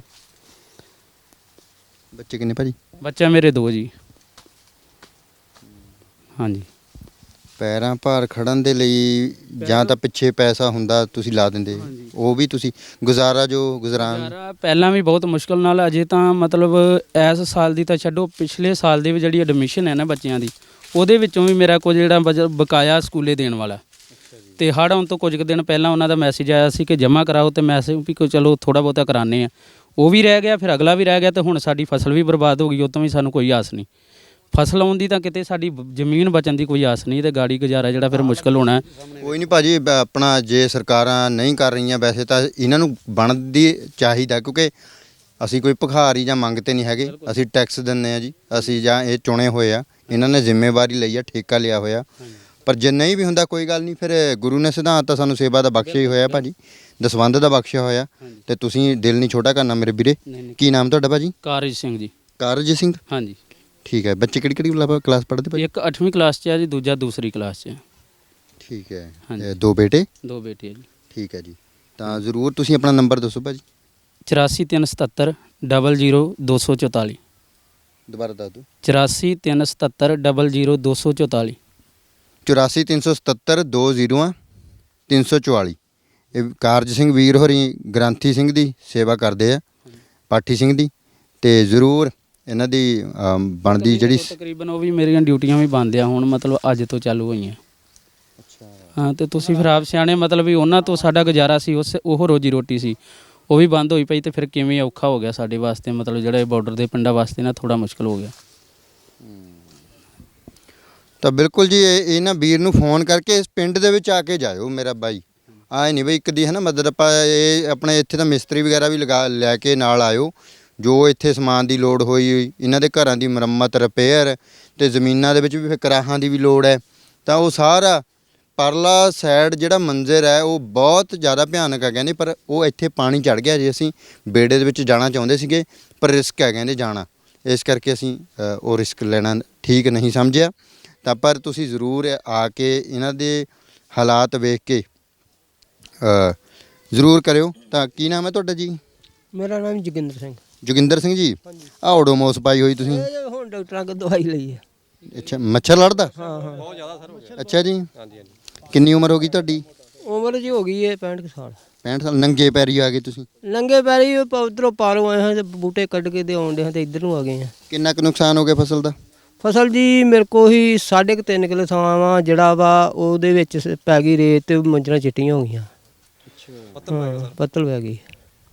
ਬੱਚੇ ਕਿੰਨੇ ਭਾਜੀ?
ਬੱਚਾ ਮੇਰੇ ਦੋ ਜੀ। ਹਾਂਜੀ।
ਪੈਰਾਂ ਭਾਰ ਖੜਨ ਦੇ ਲਈ ਜਾਂ ਤਾਂ ਪਿੱਛੇ ਪੈਸਾ ਹੁੰਦਾ ਤੁਸੀਂ ਲਾ ਦਿੰਦੇ, ਉਹ ਵੀ ਤੁਸੀਂ ਗੁਜ਼ਾਰਾ ਜੋ ਗੁਜ਼ਰਾਨ
ਗੁਜ਼ਾਰਾ ਪਹਿਲਾਂ ਵੀ ਬਹੁਤ ਮੁਸ਼ਕਲ ਨਾਲ, ਅਜੇ ਤਾਂ ਮਤਲਬ ਇਸ ਸਾਲ ਦੀ ਤਾਂ ਛੱਡੋ, ਪਿਛਲੇ ਸਾਲ ਦੀ ਵੀ ਜਿਹੜੀ ਐਡਮਿਸ਼ਨ ਹੈ ਨਾ ਬੱਚਿਆਂ ਦੀ, ਉਹਦੇ ਵਿੱਚੋਂ ਵੀ ਮੇਰਾ ਕੁਝ ਜਿਹੜਾ ਬਜ- ਬਕਾਇਆ ਸਕੂਲੇ ਦੇਣ ਵਾਲਾ। ਤੇ ਹੜ੍ਹ ਆਉਣ ਤੋਂ ਕੁਝ ਕੁ ਦਿਨ ਪਹਿਲਾਂ ਉਹਨਾਂ ਦਾ ਮੈਸੇਜ ਆਇਆ ਸੀ ਕਿ ਜਮ੍ਹਾਂ ਕਰਾਓ, ਤੇ ਮੈਸੇਜ ਵੀ ਕੋਈ ਚਲੋ ਥੋੜ੍ਹਾ ਬਹੁਤਾ ਕਰਾਉਂਦੇ ਆ, ਉਹ ਵੀ ਰਹਿ ਗਿਆ, ਫਿਰ ਅਗਲਾ ਵੀ ਰਹਿ ਗਿਆ, ਤੇ ਹੁਣ ਸਾਡੀ ਫਸਲ ਵੀ ਬਰਬਾਦ ਹੋ ਗਈ, ਉਹ ਤੋਂ ਵੀ ਸਾਨੂੰ ਕੋਈ ਆਸ ਨਹੀਂ। ਫਸਲ ਆਉਣ ਦੀ ਤਾਂ ਕਿਤੇ ਸਾਡੀ ਬ- ਜ਼ਮੀਨ ਬਚਣ ਦੀ ਕੋਈ ਆਸ ਨਹੀਂ, ਤੇ ਗਾੜੀ ਗੁਜ਼ਾਰਾ ਜਿਹੜਾ ਫਿਰ ਮੁਸ਼ਕਲ ਹੋਣਾ ਹੈ।
ਕੋਈ ਨਹੀਂ ਭਾਜੀ, ਬ- ਆਪਣਾ ਜੇ ਸਰਕਾਰਾਂ ਨਹੀਂ ਕਰ ਰਹੀਆਂ ਵੈਸੇ ਤਾਂ ਇਹਨਾਂ ਨੂੰ ਬਣਦੀ ਚਾਹੀਦਾ, ਕਿਉਂਕਿ ਅਸੀਂ ਕੋਈ ਭਿਖਾਰੀ ਜਾਂ ਮੰਗ ਤੇ ਨਹੀਂ ਹੈਗੇ, ਅਸੀਂ ਟੈਕਸ ਦਿੰਦੇ ਆ ਜੀ, ਅਸੀਂ ਜਾਂ ਇਹ ਚੁਣੇ ਹੋਏ ਆ, ਇਹਨਾਂ ਨੇ ਜ਼ਿੰਮੇਵਾਰੀ ਲਈ ਆ, ਠੇਕਾ ਲਿਆ ਹੋਇਆ। ਪਰ ਜੇ ਨਹੀਂ ਵੀ ਹੁੰਦਾ ਕੋਈ ਗੱਲ ਨਹੀਂ, ਫਿਰ ਗੁਰੂ ਨੇ ਸਿਧਾਂਤ ਤਾਂ ਸਾਨੂੰ ਸੇਵਾ ਦਾ ਬਖਸ਼ਿਆ ਹੀ ਹੋਇਆ ਭਾਜੀ, ਦਸਵੰਧ ਦਾ ਬਖਸ਼ਿਆ ਹੋਇਆ, ਤੇ ਤੁਸੀਂ ਦਿਲ ਨਹੀਂ ਛੋਟਾ ਕਰਨਾ ਮੇਰੇ ਵੀਰੇ।
ਨਹੀਂ ਨਹੀਂ
ਕੀ ਨਾਮ ਤੁਹਾਡਾ ਭਾਜੀ?
ਕਾਰਜ ਸਿੰਘ ਜੀ।
ਕਾਰਜ ਸਿੰਘ।
ਹਾਂਜੀ,
ਠੀਕ ਹੈ। ਬੱਚੇ ਕਿਹੜੀ ਕਿਹੜੀ ਕਲਾਸ ਪੜ੍ਹਦੇ ਭਾਜੀ?
ਇੱਕ ਅੱਠਵੀਂ ਕਲਾਸ 'ਚ ਹੈ ਜੀ, ਦੂਜਾ ਦੂਸਰੀ ਕਲਾਸ 'ਚ ਹੈ।
ਠੀਕ ਹੈ।
ਹਾਂਜੀ।
ਇਹ ਦੋ ਬੇਟੇ?
ਦੋ ਬੇਟੇ ਹੈ ਜੀ।
ਠੀਕ ਹੈ ਜੀ। ਤਾਂ ਜ਼ਰੂਰ ਤੁਸੀਂ ਆਪਣਾ ਨੰਬਰ ਦੱਸੋ ਭਾਜੀ।
ਚੁਰਾਸੀ ਤਿੰਨ ਸਤੱਤਰ ਡਬਲ ਜ਼ੀਰੋ ਦੋ ਸੌ ਚੁਤਾਲੀ।
ਦੁਬਾਰਾ ਦੱਸ ਦਿਓ।
ਚੁਰਾਸੀ ਤਿੰਨ ਸਤੱਤਰ ਡਬਲ ਜ਼ੀਰੋ ਦੋ ਸੌ ਚੁਤਾਲੀ।
ਚੁਰਾਸੀ ਤਿੰਨ ਸੌ ਸਤੱਤਰ ਦੋ ਜ਼ੀਰੋ ਤਿੰਨ ਸੌ ਚੁਤਾਲੀ। ਇਹ ਕਾਰਜ ਸਿੰਘ ਵੀਰ ਹੋਰੀ ਗ੍ਰੰਥੀ ਸਿੰਘ ਦੀ ਸੇਵਾ ਕਰਦੇ ਆ, ਪਾਠੀ ਸਿੰਘ ਦੀ, ਤੇ ਜ਼ਰੂਰ ਇਹਨਾਂ ਦੀ ਅਮ, ਬਣਦੀ ਜਿਹੜੀ
ਤਕਰੀਬਨ ਉਹ ਵੀ ਮੇਰੀਆਂ ਡਿਊਟੀਆਂ ਵੀ ਬੰਦ ਆ ਹੁਣ, ਮਤਲਬ ਅੱਜ ਤੋਂ ਚਾਲੂ ਹੋਈਆਂ। ਹਾਂ, ਤੇ ਤੁਸੀਂ ਫਿਰ ਆਪ ਸਿਆਣੇ, ਮਤਲਬ ਵੀ ਉਹਨਾਂ ਤੋਂ ਸਾਡਾ ਗੁਜ਼ਾਰਾ ਸੀ, ਉਸ ਉਹ ਰੋਜੀ ਰੋਟੀ ਸੀ, ਉਹ ਵੀ ਬੰਦ ਹੋਈ ਪਈ, ਤੇ ਫਿਰ ਕਿਵੇਂ ਔਖਾ ਹੋ ਗਿਆ ਸਾਡੇ ਵਾਸਤੇ, ਮਤਲਬ ਜਿਹੜੇ ਬਾਰਡਰ ਦੇ ਪਿੰਡਾਂ ਵਾਸਤੇ ਨਾ ਥੋੜਾ ਮੁਸ਼ਕਲ ਹੋ ਗਿਆ।
ਤਾਂ ਬਿਲਕੁਲ ਜੀ, ਇਹ ਇਹਨਾਂ ਵੀਰ ਨੂੰ ਫੋਨ ਕਰਕੇ ਇਸ ਪਿੰਡ ਦੇ ਵਿੱਚ ਆ ਕੇ ਜਾਇਓ ਮੇਰਾ ਬਾਈ। ਆਏ ਨਹੀਂ ਬਈ ਇੱਕ ਦੀ ਹੈ ਨਾ ਮਦਦ, ਆਪਾਂ ਇਹ ਆਪਣੇ ਇੱਥੇ ਤਾਂ ਮਿਸਤਰੀ ਵਗੈਰਾ ਵੀ ਲਗਾ ਲੈ ਕੇ ਨਾਲ ਆਇਓ, ਜੋ ਇੱਥੇ ਸਮਾਨ ਦੀ ਲੋੜ ਹੋਈ, ਇਹਨਾਂ ਦੇ ਘਰਾਂ ਦੀ ਮੁਰੰਮਤ, ਰਿਪੇਅਰ, ਤੇ ਜ਼ਮੀਨਾਂ ਦੇ ਵਿੱਚ ਵੀ ਫਿਰ ਕਰਾਹਾਂ ਦੀ ਵੀ ਲੋੜ ਹੈ, ਤਾਂ ਉਹ ਸਾਰਾ ਪਰਲਾ ਸਾਈਡ ਜਿਹੜਾ ਮੰਜ਼ਰ ਹੈ ਉਹ ਬਹੁਤ ਜ਼ਿਆਦਾ ਭਿਆਨਕ ਹੈ ਕਹਿੰਦੇ, ਪਰ ਉਹ ਇੱਥੇ ਪਾਣੀ ਚੜ ਗਿਆ ਜੀ। ਅਸੀਂ ਬੇੜੇ ਦੇ ਵਿੱਚ ਜਾਣਾ ਚਾਹੁੰਦੇ ਸੀਗੇ, ਪਰ ਰਿਸਕ ਹੈ ਕਹਿੰਦੇ ਜਾਣਾ, ਇਸ ਕਰਕੇ ਅਸੀਂ ਅ, ਉਹ ਰਿਸਕ ਲੈਣਾ ਠੀਕ ਨਹੀਂ ਸਮਝਿਆ। ਤਾਂ ਪਰ ਤੁਸੀਂ ਜ਼ਰੂਰ ਆ ਕੇ ਇਹਨਾਂ ਦੇ ਹਾਲਾਤ ਵੇਖ ਕੇ ਅ, ਜ਼ਰੂਰ ਕਰਿਓ। ਤਾਂ ਕੀ ਨਾਮ ਹੈ ਤੁਹਾਡਾ ਜੀ?
ਮੇਰਾ ਨਾਮ ਜੋਗਿੰਦਰ ਸਿੰਘ।
ਜੋਗਿੰਦਰ ਸਿੰਘ ਜੀ, ਆਹ ਓਡੋਮੋਸ ਪਾਈ ਹੋਈ ਤੁਸੀਂ?
ਇਹ ਹੁਣ ਡਾਕਟਰਾਂ ਕੋਲ ਦਵਾਈ ਲਈ ਹੈ।
ਅੱਛਾ, ਮੱਛਰ ਲੜਦਾ?
ਹਾਂ ਹਾਂ,
ਬਹੁਤ ਜ਼ਿਆਦਾ ਸਰ ਹੋ ਗਿਆ।
ਅੱਛਾ ਜੀ।
ਹਾਂਜੀ ਹਾਂਜੀ।
ਕਿੰਨੀ ਉਮਰ ਹੋ ਗਈ ਤੁਹਾਡੀ?
ਉਮਰ ਜੀ ਹੋ ਗਈ ਹੈ ਪੈਂਹਠ ਕੁ ਸਾਲ।
ਪੈਂਹਠ ਸਾਲ। ਨੰਗੇ ਪੈਰੀ ਆ ਗਏ ਤੁਸੀਂ?
ਨੰਗੇ ਪੈਰੀ ਉਧਰੋਂ ਪਾਰੋਂ ਆਏ ਹਾਂ, ਤੇ ਬੂਟੇ ਕੱਢ ਕੇ ਤੇ ਆਉਂਦੇ ਹਾਂ, ਤੇ ਇੱਧਰ ਨੂੰ ਆ ਗਏ ਹਾਂ।
ਕਿੰਨਾ ਕੁ ਨੁਕਸਾਨ ਹੋ ਗਿਆ ਫਸਲ ਦਾ?
ਫਸਲ ਜੀ ਮੇਰੇ ਕੋਲ ਹੀ ਸਾਢੇ ਕੁ ਤਿੰਨ ਕਿੱਲੇ ਥਾਂ ਵਾ, ਜਿਹੜਾ ਵਾ ਉਹਦੇ ਵਿੱਚ ਸ- ਪੈ ਗਈ ਰੇਤ, ਤੇ ਮੰਜਰਾਂ ਚਿੱਟੀਆਂ ਹੋ ਗਈਆਂ।
ਪੱਤਲ ਪੈ ਗਿਆ
ਹਾਂ,
ਸਰ।
ਪੱਤਲ ਪੈ ਗਈ।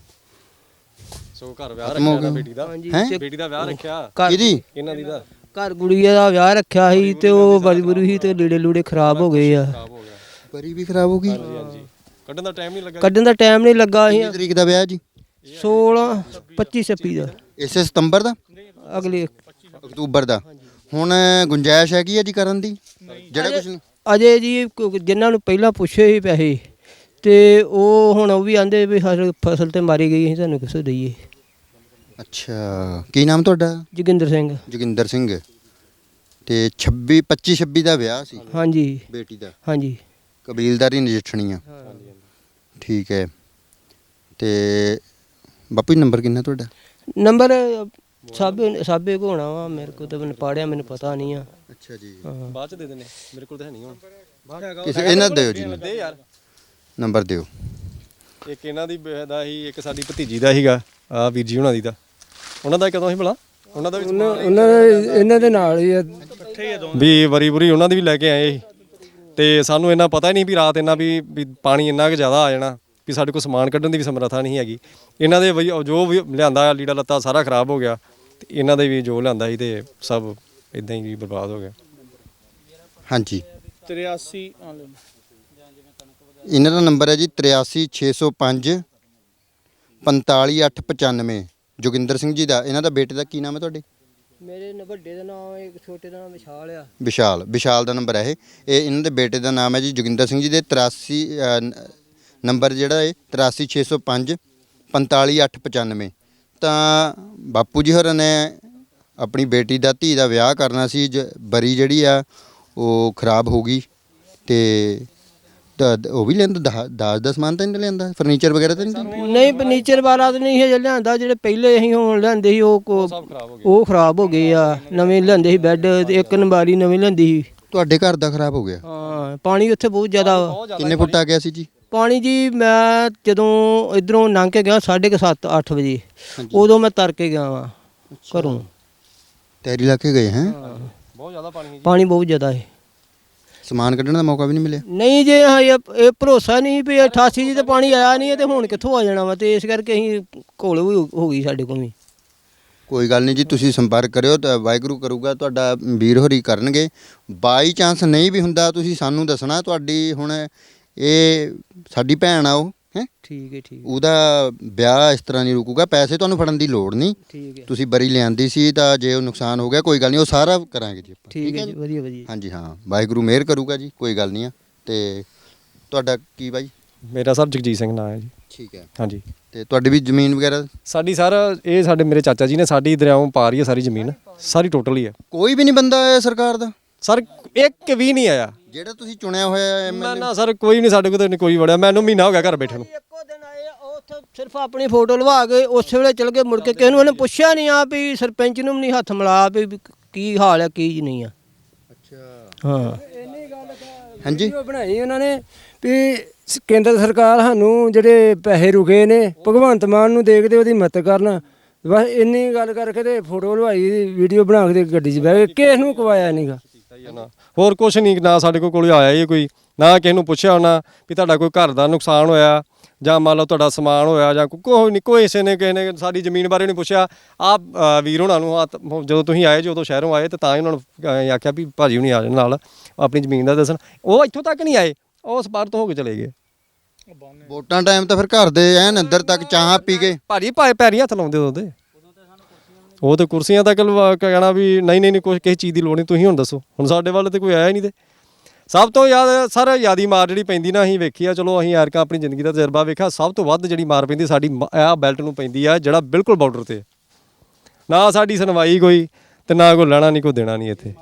ਸੋ ਘਰ ਵਿਆਹ
ਖਤਮ ਹੋ
ਰੱਖਿਆ
ਗਿਆ।
ਬੇਟੀ ਦਾ।
ਹਾਂਜੀ,
ਹੈਂ?
ਤੇ
ਬੇਟੀ ਦਾ ਵਿਆਹ ਰੱਖਿਆ
ਘਰ
ਕਿਹਦੀ?
ਇਹਨਾਂ ਦੀ ਦਾ
ਘਰ ਗੁੜੀਆ ਦਾ ਵਿਆਹ ਰੱਖਿਆ ਸੀ, ਤੇ ਉਹ ਬੜੀ ਬੁਰੀ ਸੀ, ਤੇ ਲੀੜੇ ਲੂੜੇ ਖਰਾਬ ਹੋ ਗਏ ਆ।
ਖਰਾਬ ਹੋ ਗਿਆ।
ਪਰੀ ਵੀ ਖਰਾਬ ਹੋ ਗਈ?
ਹਾਂਜੀ ਹਾਂਜੀ। ਕੱਢਣ ਦਾ ਟਾਈਮ ਨਹੀਂ ਲੱਗਾ।
ਕੱਢਣ ਦਾ ਟਾਈਮ ਨਹੀਂ ਲੱਗਾ। ਅਸੀਂ
ਕਿੰਨੀ ਤਰੀਕ ਦਾ ਵਿਆਹ ਜੀ?
ਸੋਲਾਂ ਪੱਚੀ ਛੱਬੀ ਦਾ,
ਇਸੇ ਸਤੰਬਰ ਦਾ?
ਅਗਲੇ
ਅਕਤੂਬਰ ਦਾ? ਹੁਣ ਗੁੰਜਾਇਸ਼ ਹੈਗੀ ਹੈ ਜੀ ਕਰਨ ਦੀ? ਜਿਹੜਾ ਕੁਝ ਨਹੀਂ
ਅਜੇ ਜੀ ਕ- ਜਿਨ੍ਹਾਂ ਨੂੰ ਪਹਿਲਾਂ ਪੁੱਛੇ ਸੀ ਪੈਸੇ, ਤੇ ਉਹ ਹੁਣ ਉਹ ਵੀ ਆਂਦੇ ਵੀ ਸਾਡੀ ਫਸਲ ਤੇ ਮਾਰੀ ਗਈ, ਅਸੀਂ ਤੁਹਾਨੂੰ ਕਿੱਥੋਂ ਦਈਏ।
ਅੱਛਾ, ਕੀ ਨਾਮ ਤੁਹਾਡਾ?
ਜੋਗਿੰਦਰ ਸਿੰਘ।
ਜੋਗਿੰਦਰ ਸਿੰਘ। ਤੇ ਛੱਬੀ ਪੱਚੀ ਛੱਬੀ ਦਾ ਵਿਆਹ ਸੀ
ਹਾਂਜੀ
ਬੇਟੀ ਦਾ?
ਹਾਂਜੀ।
ਕਬੀਲਦਾਰੀ ਨਜਿੱਠਣੀ ਆ। ਠੀਕ ਹੈ। ਤੇ ਬਾਪੂ ਜੀ ਨੰਬਰ ਕਿੰਨਾ ਤੁਹਾਡਾ?
ਨੰਬਰ ਸਾਬੇ ਸਾਬੇ ਕੋ ਹੋਣਾ ਵਾ, ਮੇਰੇ ਕੋਲ ਤਾਂ ਮੈਨੂੰ ਪਾੜਿਆ, ਮੈਨੂੰ ਪਤਾ ਨਹੀਂ ਆ।
ਅੱਛਾ ਜੀ।
ਹਾਂ।
ਬਾਅਦ ਚ ਦੇ ਦੇਣੇ, ਮੇਰੇ ਕੋਲ ਤਾਂ ਹੈ ਨਹੀਂ ਹੁਣ।
ਕਿਸੇ ਇਹਨਾਂ ਦਿਓ ਜੀ
ਦੇ ਯਾਰ
ਨੰਬਰ ਦਿਓ।
ਇੱਕ ਇਹਨਾਂ ਦੀ ਬ- ਦਾ ਹੀ, ਇੱਕ ਸਾਡੀ ਭਤੀਜੀ ਦਾ ਸੀਗਾ, ਆ ਵੀਰ ਜੀ ਉਹਨਾਂ ਦੀ ਦਾ। ਉਹਨਾਂ ਦਾ ਕਦੋਂ ਸੀ ਭਲਾ? ਉਹਨਾਂ ਦਾ ਵੀ
ਉਹਨਾਂ ਦੇ ਇਹਨਾਂ ਦੇ ਨਾਲ ਹੀ ਆ।
ਵੀ ਵਰੀ ਵਰੀ ਉਹਨਾਂ ਦੀ ਵੀ ਲੈ ਕੇ ਆਏ ਸੀ, ਤੇ ਸਾਨੂੰ ਇੰਨਾ ਪਤਾ ਹੀ ਨਹੀਂ ਵੀ ਰਾਤ ਇੰਨਾ ਵੀ ਵੀ ਪਾਣੀ ਇੰਨਾ ਕੁ ਜ਼ਿਆਦਾ ਆ ਜਾਣਾ ਵੀ ਸਾਡੇ ਕੋਲ ਸਮਾਨ ਕੱਢਣ ਦੀ ਵੀ ਸਮਰੱਥਾ ਨਹੀਂ ਹੈਗੀ। ਇਹਨਾਂ ਦੇ ਵਈ- ਜੋ ਵੀ ਲਿਆਂਦਾ ਲੀੜਾ ਲੱਤਾ ਸਾਰਾ ਖਰਾਬ ਹੋ ਗਿਆ, ਤੇ ਇਹਨਾਂ ਦੇ ਵੀ ਜੋ ਲਿਆਂਦਾ ਸੀ ਤੇ ਸਭ ਇਦਾਂ ਹੀ ਬਰਬਾਦ ਹੋ ਗਿਆ।
ਹਾਂਜੀ,
ਤਰਿਆਸੀ
ਇਹਨਾਂ ਦਾ ਨੰਬਰ ਹੈ ਜੀ ਤਰਿਆਸੀ ਛੇ ਸੌ ਪੰਜ ਪੰਤਾਲੀ ਅੱਠ ਪਚਾਨਵੇਂ। ਜੋਗਿੰਦਰ ਸਿੰਘ ਜੀ ਦਾ। ਇਹਨਾਂ ਦਾ ਬੇਟੇ ਦਾ ਕੀ ਨਾਮ ਹੈ ਤੁਹਾਡੇ?
ਮੇਰੇ ਨ ਵੱਡੇ ਦਾ ਨਾਮ, ਇੱਕ ਛੋਟੇ ਦਾ ਨਾਮ ਵਿਸ਼ਾਲ ਆ।
ਵਿਸ਼ਾਲ। ਵਿਸ਼ਾਲ ਦਾ ਨੰਬਰ ਹੈ ਇਹ। ਇਹ ਇਹਨਾਂ ਦੇ ਬੇਟੇ ਦਾ ਨਾਮ ਹੈ ਜੀ ਜੋਗਿੰਦਰ ਸਿੰਘ ਜੀ ਦੇ। ਤਰਾਸੀ ਨੰਬਰ ਜਿਹੜਾ ਹੈ ਤਰਾਸੀ ਛੇ ਸੌ ਪੰਜ ਪੰਤਾਲੀ ਅੱਠ ਪਚਾਨਵੇਂ। ਤਾਂ ਬਾਪੂ ਜੀ ਹੋਰਾਂ ਨੇ ਆਪਣੀ ਬੇਟੀ ਦਾ ਧੀ ਦਾ ਵਿਆਹ ਕਰਨਾ ਸੀ, ਜ ਬਰੀ ਜਿਹੜੀ ਆ ਉਹ ਖਰਾਬ ਹੋ ਗਈ, ਤੇ ਤਾਂ ਉਹ ਵੀ ਲਿਆਂਦਾ ਦਾਜ ਦਾ ਸਮਾਨ ਤਾਂ ਨਹੀਂ ਲਿਆਂਦਾ? ਫਰਨੀਚਰ ਵਗੈਰਾ ਤਾਂ ਨਹੀਂ?
ਨਹੀਂ, ਫਰਨੀਚਰ ਵਾਲਾ ਤਾਂ ਨਹੀਂ ਹੈ ਲਿਆਂਦਾ, ਜਿਹੜੇ ਪਹਿਲੇ ਅਸੀਂ ਹੁਣ ਲਿਆਂਦੇ ਸੀ ਉਹ ਕੋ-
ਸਭ ਖਰਾਬ ਹੋ ਗਿਆ।
ਉਹ ਖਰਾਬ ਹੋ ਗਏ ਆ। ਨਵੇਂ ਲਿਆਂਦੇ ਸੀ ਬੈੱਡ, ਤੇ ਇੱਕ ਨੰਬਾਰੀ ਨਵੀਂ ਲਿਆਂਦੀ ਸੀ,
ਤੁਹਾਡੇ ਘਰ ਦਾ ਖਰਾਬ ਹੋ ਗਿਆ?
ਹਾਂ ਪਾਣੀ ਉੱਥੇ ਬਹੁਤ ਜ਼ਿਆਦਾ ਵਾ।
ਕਿੰਨੇ ਫੁੱਟ ਆ ਗਿਆ ਸੀ ਜੀ?
ਪਾਣੀ ਜੀ ਮੈਂ ਜਦੋਂ ਇਧਰੋਂ ਲੰਘ ਕੇ ਗਿਆ ਸਾਢੇ ਕੁ ਸੱਤ ਅੱਠ ਵਜੇ, ਉਦੋਂ ਮੈਂ ਤਰ ਕੇ ਗਿਆ ਵਾਂ ਘਰੋਂ।
ਤੈਰੀ ਲਾ ਕੇ ਗਏ ਹੈ?
ਬਹੁਤ ਜ਼ਿਆਦਾ ਪਾਣੀ ਹੈ।
ਪਾਣੀ ਬਹੁਤ ਜ਼ਿਆਦਾ ਹੈ।
ਸਮਾਨ ਕੱਢਣ ਦਾ ਮੌਕਾ ਵੀ ਨਹੀਂ ਮਿਲਿਆ?
ਨਹੀਂ ਜੇ ਹਾਂ ਇਹ ਇਹ ਭਰੋਸਾ ਨਹੀਂ ਵੀ ਅਠਾਸੀ ਜੀ ਤੇ ਪਾਣੀ ਆਇਆ ਨਹੀਂ ਤੇ ਹੁਣ ਕਿੱਥੋਂ ਆ ਜਾਣਾ ਵਾ, ਤੇ ਇਸ ਕਰਕੇ ਅਸੀਂ ਘੋਲ ਵੀ ਹੋ ਗਈ ਸਾਡੇ ਕੋਲ ਵੀ।
ਕੋਈ ਗੱਲ ਨਹੀਂ ਜੀ, ਤੁਸੀਂ ਸੰਪਰਕ ਕਰਿਓ ਤਾਂ ਵਾਹਿਗੁਰੂ ਕਰੂਗਾ, ਤੁਹਾਡਾ ਵੀਰ ਹੋਰੀ ਕਰਨਗੇ। ਬਾਈ ਚਾਂਸ ਨਹੀਂ ਵੀ ਹੁੰਦਾ ਤੁਸੀਂ ਸਾਨੂੰ ਦੱਸਣਾ। ਤੁਹਾਡੀ ਹੁਣ ਇਹ ਸਾਡੀ ਭੈਣ ਆ ਉਹ ਹੈ,
ਠੀਕ ਹੈ ਠੀਕ
ਉਹਦਾ ਵਿਆਹ ਇਸ ਤਰ੍ਹਾਂ ਨਹੀਂ ਰੁਕੂਗਾ। ਪੈਸੇ ਤੁਹਾਨੂੰ ਫੜਨ ਦੀ ਲੋੜ ਨਹੀਂ,
ਠੀਕ ਹੈ
ਤੁਸੀਂ ਬਰੀ ਲਿਆਂਦੀ ਸੀ ਤਾਂ ਜੇ ਉਹ ਨੁਕਸਾਨ ਹੋ ਗਿਆ ਕੋਈ ਗੱਲ ਨਹੀਂ, ਉਹ ਸਾਰਾ ਕਰਾਂਗੇ ਜੀ ਆਪਾਂ।
ਠੀਕ ਹੈ ਜੀ, ਵਧੀਆ ਵਧੀਆ।
ਹਾਂਜੀ ਹਾਂ, ਵਾਹਿਗੁਰੂ ਮਿਹਰ ਕਰੂਗਾ ਜੀ, ਕੋਈ ਗੱਲ ਨਹੀਂ ਆ। ਤੇ ਤੁਹਾਡਾ ਕੀ ਬਾਈ?
ਮੇਰਾ ਸਰ ਜਗਜੀਤ ਸਿੰਘ ਨਾਂ ਹੈ ਜੀ।
ਠੀਕ ਹੈ।
ਹਾਂਜੀ
ਤੇ ਤੁਹਾਡੀ ਵੀ ਜ਼ਮੀਨ ਵਗੈਰਾ?
ਸਾਡੀ ਸਰ ਇਹ ਸਾਡੇ ਮੇਰੇ ਚਾਚਾ ਜੀ ਨੇ ਸਾਡੀ ਦਰਿਆਓਂ ਪਾ ਰਹੀ ਹੈ ਸਾਰੀ ਜ਼ਮੀਨ, ਸਾਰੀ ਟੋਟਲ ਹੀ ਹੈ
ਕੋਈ ਵੀ ਨਹੀਂ ਬੰਦਾ ਆਇਆ ਸਰਕਾਰ ਦਾ
ਸਰ, ਇੱਕ ਵੀ ਨਹੀਂ ਆਇਆ
ਜਿਹੜਾ ਤੁਸੀਂ ਚੁਣਿਆ ਹੋਇਆ
ਨਾ ਨਾ ਸਰ, ਕੋਈ ਨਹੀਂ ਸਾਡੇ ਕੋਲ ਤਾਂ ਕੋਈ ਵੜਿਆ। ਮੈਨੂੰ ਮਹੀਨਾ ਹੋ ਗਿਆ ਘਰ ਬੈਠੇ ਨੂੰ।
ਇੱਕੋ ਦਿਨ ਆਏ ਉਹ ਉੱਥੇ ਸਿਰਫ ਆਪਣੀ ਫੋਟੋ ਲਵਾ ਕੇ ਉਸੇ ਵੇਲੇ ਚਲ ਗਏ, ਮੁੜ ਕੇ ਕਿਸੇ ਨੂੰ ਉਹਨੇ ਪੁੱਛਿਆ ਨਹੀਂ ਆ ਵੀ ਸਰਪੰਚ ਨੂੰ ਵੀ ਨਹੀਂ ਹੱਥ ਮਿਲਾ ਵੀ ਕੀ ਹਾਲ ਹੈ ਕੀ ਨਹੀਂ ਆ।
ਅੱਛਾ
ਹਾਂ
ਹਾਂਜੀ
ਵੀਡੀਓ ਬਣਾਈ ਉਹਨਾਂ ਨੇ ਵੀ ਸ- ਕੇਂਦਰ ਸਰਕਾਰ ਸਾਨੂੰ ਜਿਹੜੇ ਪੈਸੇ ਰੁਕੇ ਨੇ ਭਗਵੰਤ ਮਾਨ ਨੂੰ ਦੇਖਦੇ ਉਹਦੀ ਮਦਦ ਕਰਨ, ਬਸ ਇੰਨੀ ਗੱਲ ਕਰਕੇ ਤੇ ਫੋਟੋ ਲਵਾਈ, ਵੀਡੀਓ ਬਣਾ ਕੇ ਤੇ ਗੱਡੀ 'ਚ ਬਹਿ ਗਏ, ਕਿਸ ਨੂੰ ਕਵਾਇਆ ਨਹੀਂਗਾ।
ਹੋਰ ਕੁਛ ਨਹੀਂ, ਨਾ ਸਾਡੇ ਕੋਲ ਕੋਲ ਆਇਆ ਹੀ ਕੋਈ, ਨਾ ਕਿਸੇ ਨੂੰ ਪੁੱਛਿਆ ਹੋਣਾ ਵੀ ਤੁਹਾਡਾ ਕੋਈ ਘਰ ਦਾ ਨੁਕਸਾਨ ਹੋਇਆ ਜਾਂ ਮੰਨ ਲਓ ਤੁਹਾਡਾ ਸਮਾਨ ਹੋਇਆ ਜਾਂ ਕੋਈ ਨਹੀਂ, ਕੋਈ ਕਿਸੇ ਨੇ ਕਿਸੇ ਨੇ ਸਾਡੀ ਜ਼ਮੀਨ ਬਾਰੇ ਨਹੀਂ ਪੁੱਛਿਆ। ਆਹ ਵੀਰ ਹੋਣਾ ਨੂੰ ਹੱਥ- ਜਦੋਂ ਤੁਸੀਂ ਆਏ ਜਦੋਂ ਸ਼ਹਿਰੋਂ ਆਏ ਤਾਂ ਤਾਂ ਹੀ ਉਹਨਾਂ ਨੂੰ ਅਹ ਆਖਿਆ ਵੀ ਭਾਜੀ ਹੁਣੀ ਆ ਜਾਣ ਨਾਲ ਆਪਣੀ ਜ਼ਮੀਨ ਦਾ ਦੱਸਣ, ਉਹ ਇੱਥੋਂ ਤੱਕ ਨਹੀਂ ਆਏ, ਉਹ ਉਸ ਪਾਰ ਤੋਂ ਹੋ ਕੇ ਚਲੇ ਗਏ।
ਵੋਟਾਂ ਟਾਈਮ ਤਾਂ ਫਿਰ ਘਰ ਦੇ ਐਨ ਅੰਦਰ ਤੱਕ ਚਾਹ ਪੀ ਕੇ
ਭਾਜੀ ਭਾਏ ਪੈਰੀ ਹੱਥ ਲਾਉਂਦੇ ਉਹਦੇ, ਉਹ ਤੇ ਕੁਰਸੀਆਂ ਤੱਕ ਲਵਾ ਕੇ ਕਹਿਣਾ ਵੀ ਨਹੀਂ ਨਹੀਂ ਨਹੀਂ ਕੁਛ ਕਿਸੇ ਚੀਜ਼ ਦੀ ਲੋੜ ਨਹੀਂ, ਤੁਸੀਂ ਹੁਣ ਦੱਸੋ। ਹੁਣ ਸਾਡੇ ਵੱਲ ਤੇ ਕੋਈ ਆਇਆ ਹੀ ਨਹੀਂ। ਤੇ ਸਭ ਤੋਂ ਜ਼ਿਆਦਾ ਸਰ ਯਾਦੀ ਮਾਰ ਜਿਹੜੀ ਪੈਂਦੀ ਨਾ, ਅਸੀਂ ਵੇਖੀ ਆ, ਚਲੋ ਅਸੀਂ ਐਰਕਾਂ ਆਪਣੀ ਜ਼ਿੰਦਗੀ ਦਾ ਤਜਰਬਾ ਵੇਖਿਆ, ਸਭ ਤੋਂ ਵੱਧ ਜਿਹੜੀ ਮਾਰ ਪੈਂਦੀ ਸਾਡੀ ਆਹ ਬੈਲਟ ਨੂੰ ਪੈਂਦੀ ਆ, ਜਿਹੜਾ ਬਿਲਕੁਲ ਬਾਰਡਰ ਤੇ ਨਾ ਸਾਡੀ ਸੁਣਵਾਈ ਕੋਈ ਤੇ ਨਾ ਕੋਈ ਲੈਣਾ ਨਹੀਂ ਕੋਈ ਦੇਣਾ ਨਹੀਂ ਇੱਥੇ।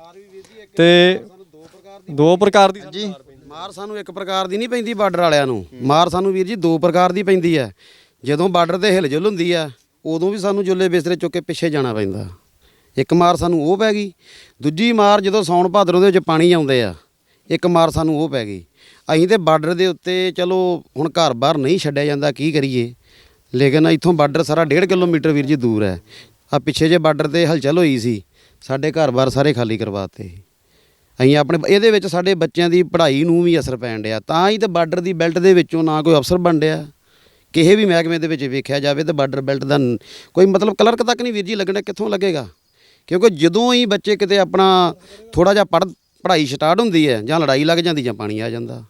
ਤੇ ਦੋ ਪ੍ਰਕਾਰ ਦੀ
ਜੀ
ਮਾਰ ਸਾਨੂੰ ਇੱਕ ਪ੍ਰਕਾਰ ਦੀ ਨਹੀਂ ਪੈਂਦੀ ਬਾਰਡਰ ਵਾਲਿਆਂ ਨੂੰ, ਮਾਰ ਸਾਨੂੰ ਵੀਰ ਜੀ ਦੋ ਪ੍ਰਕਾਰ ਦੀ ਪੈਂਦੀ ਹੈ। ਜਦੋਂ ਬਾਰਡਰ ਤੇ ਹਿਲਜੁਲ ਹੁੰਦੀ ਆ ਉਦੋਂ ਵੀ ਸਾਨੂੰ ਜੁੱਲੇ ਬਿਸਤਰੇ ਚੁੱਕ ਕੇ ਪਿੱਛੇ ਜਾਣਾ ਪੈਂਦਾ। ਇੱਕ ਮਾਰ ਸਾਨੂੰ ਉਹ ਪੈ ਗਈ, ਦੂਜੀ ਮਾਰ ਜਦੋਂ ਸਾਉਣ ਭਾਦਰੋਂ ਦੇ ਵਿੱਚ ਪਾਣੀ ਆਉਂਦੇ ਆ, ਇੱਕ ਮਾਰ ਸਾਨੂੰ ਉਹ ਪੈ ਗਈ। ਅਸੀਂ ਤੇ ਬਾਰਡਰ ਦੇ ਉੱਤੇ ਚਲੋ ਹੁਣ ਘਰ ਬਾਹਰ ਨਹੀਂ ਛੱਡਿਆ ਜਾਂਦਾ, ਕੀ ਕਰੀਏ, ਲੇਕਿਨ ਇੱਥੋਂ ਬਾਰਡਰ ਸਾਰਾ ਡੇਢ ਕਿਲੋਮੀਟਰ ਵੀਰ ਜੀ ਦੂਰ ਹੈ। ਆ ਪਿੱਛੇ ਜੇ ਬਾਰਡਰ ਤੇ ਹਲਚਲ ਹੋਈ ਸੀ, ਸਾਡੇ ਘਰ ਬਾਹਰ ਸਾਰੇ ਖਾਲੀ ਕਰਵਾਤੇ। ਅਸੀਂ ਆਪਣੇ ਇਹਦੇ ਵਿੱਚ ਸਾਡੇ ਬੱਚਿਆਂ ਦੀ ਪੜ੍ਹਾਈ ਨੂੰ ਵੀ ਅਸਰ ਪੈਣ ਡਿਆ, ਤਾਂ ਹੀ ਤਾਂ ਬਾਰਡਰ ਦੀ ਬੈਲਟ ਦੇ ਵਿੱਚੋਂ ਨਾ ਕੋਈ ਅਫਸਰ ਬਣ ਡਿਆ। ਕਿਸੇ ਵੀ ਮਹਿਕਮੇ ਦੇ ਵਿੱਚ ਵੇਖਿਆ ਜਾਵੇ ਤਾਂ ਬਾਰਡਰ ਬੈਲਟ ਦਾ ਕੋਈ ਮਤਲਬ ਕਲਰਕ ਤੱਕ ਨਹੀਂ ਵੀਰ ਜੀ ਲੱਗਣਾ, ਕਿੱਥੋਂ ਲੱਗੇਗਾ? ਕਿਉਂਕਿ ਜਦੋਂ ਹੀ ਬੱਚੇ ਕਿਤੇ ਆਪਣਾ ਥੋੜਾ ਜਿਹਾ ਪੜ੍ਹ ਪੜ੍ਹਾਈ ਸਟਾਰਟ ਹੁੰਦੀ ਹੈ ਜਾਂ ਲੜਾਈ ਲੱਗ ਜਾਂਦੀ ਜਾਂ ਪਾਣੀ ਆ ਜਾਂਦਾ।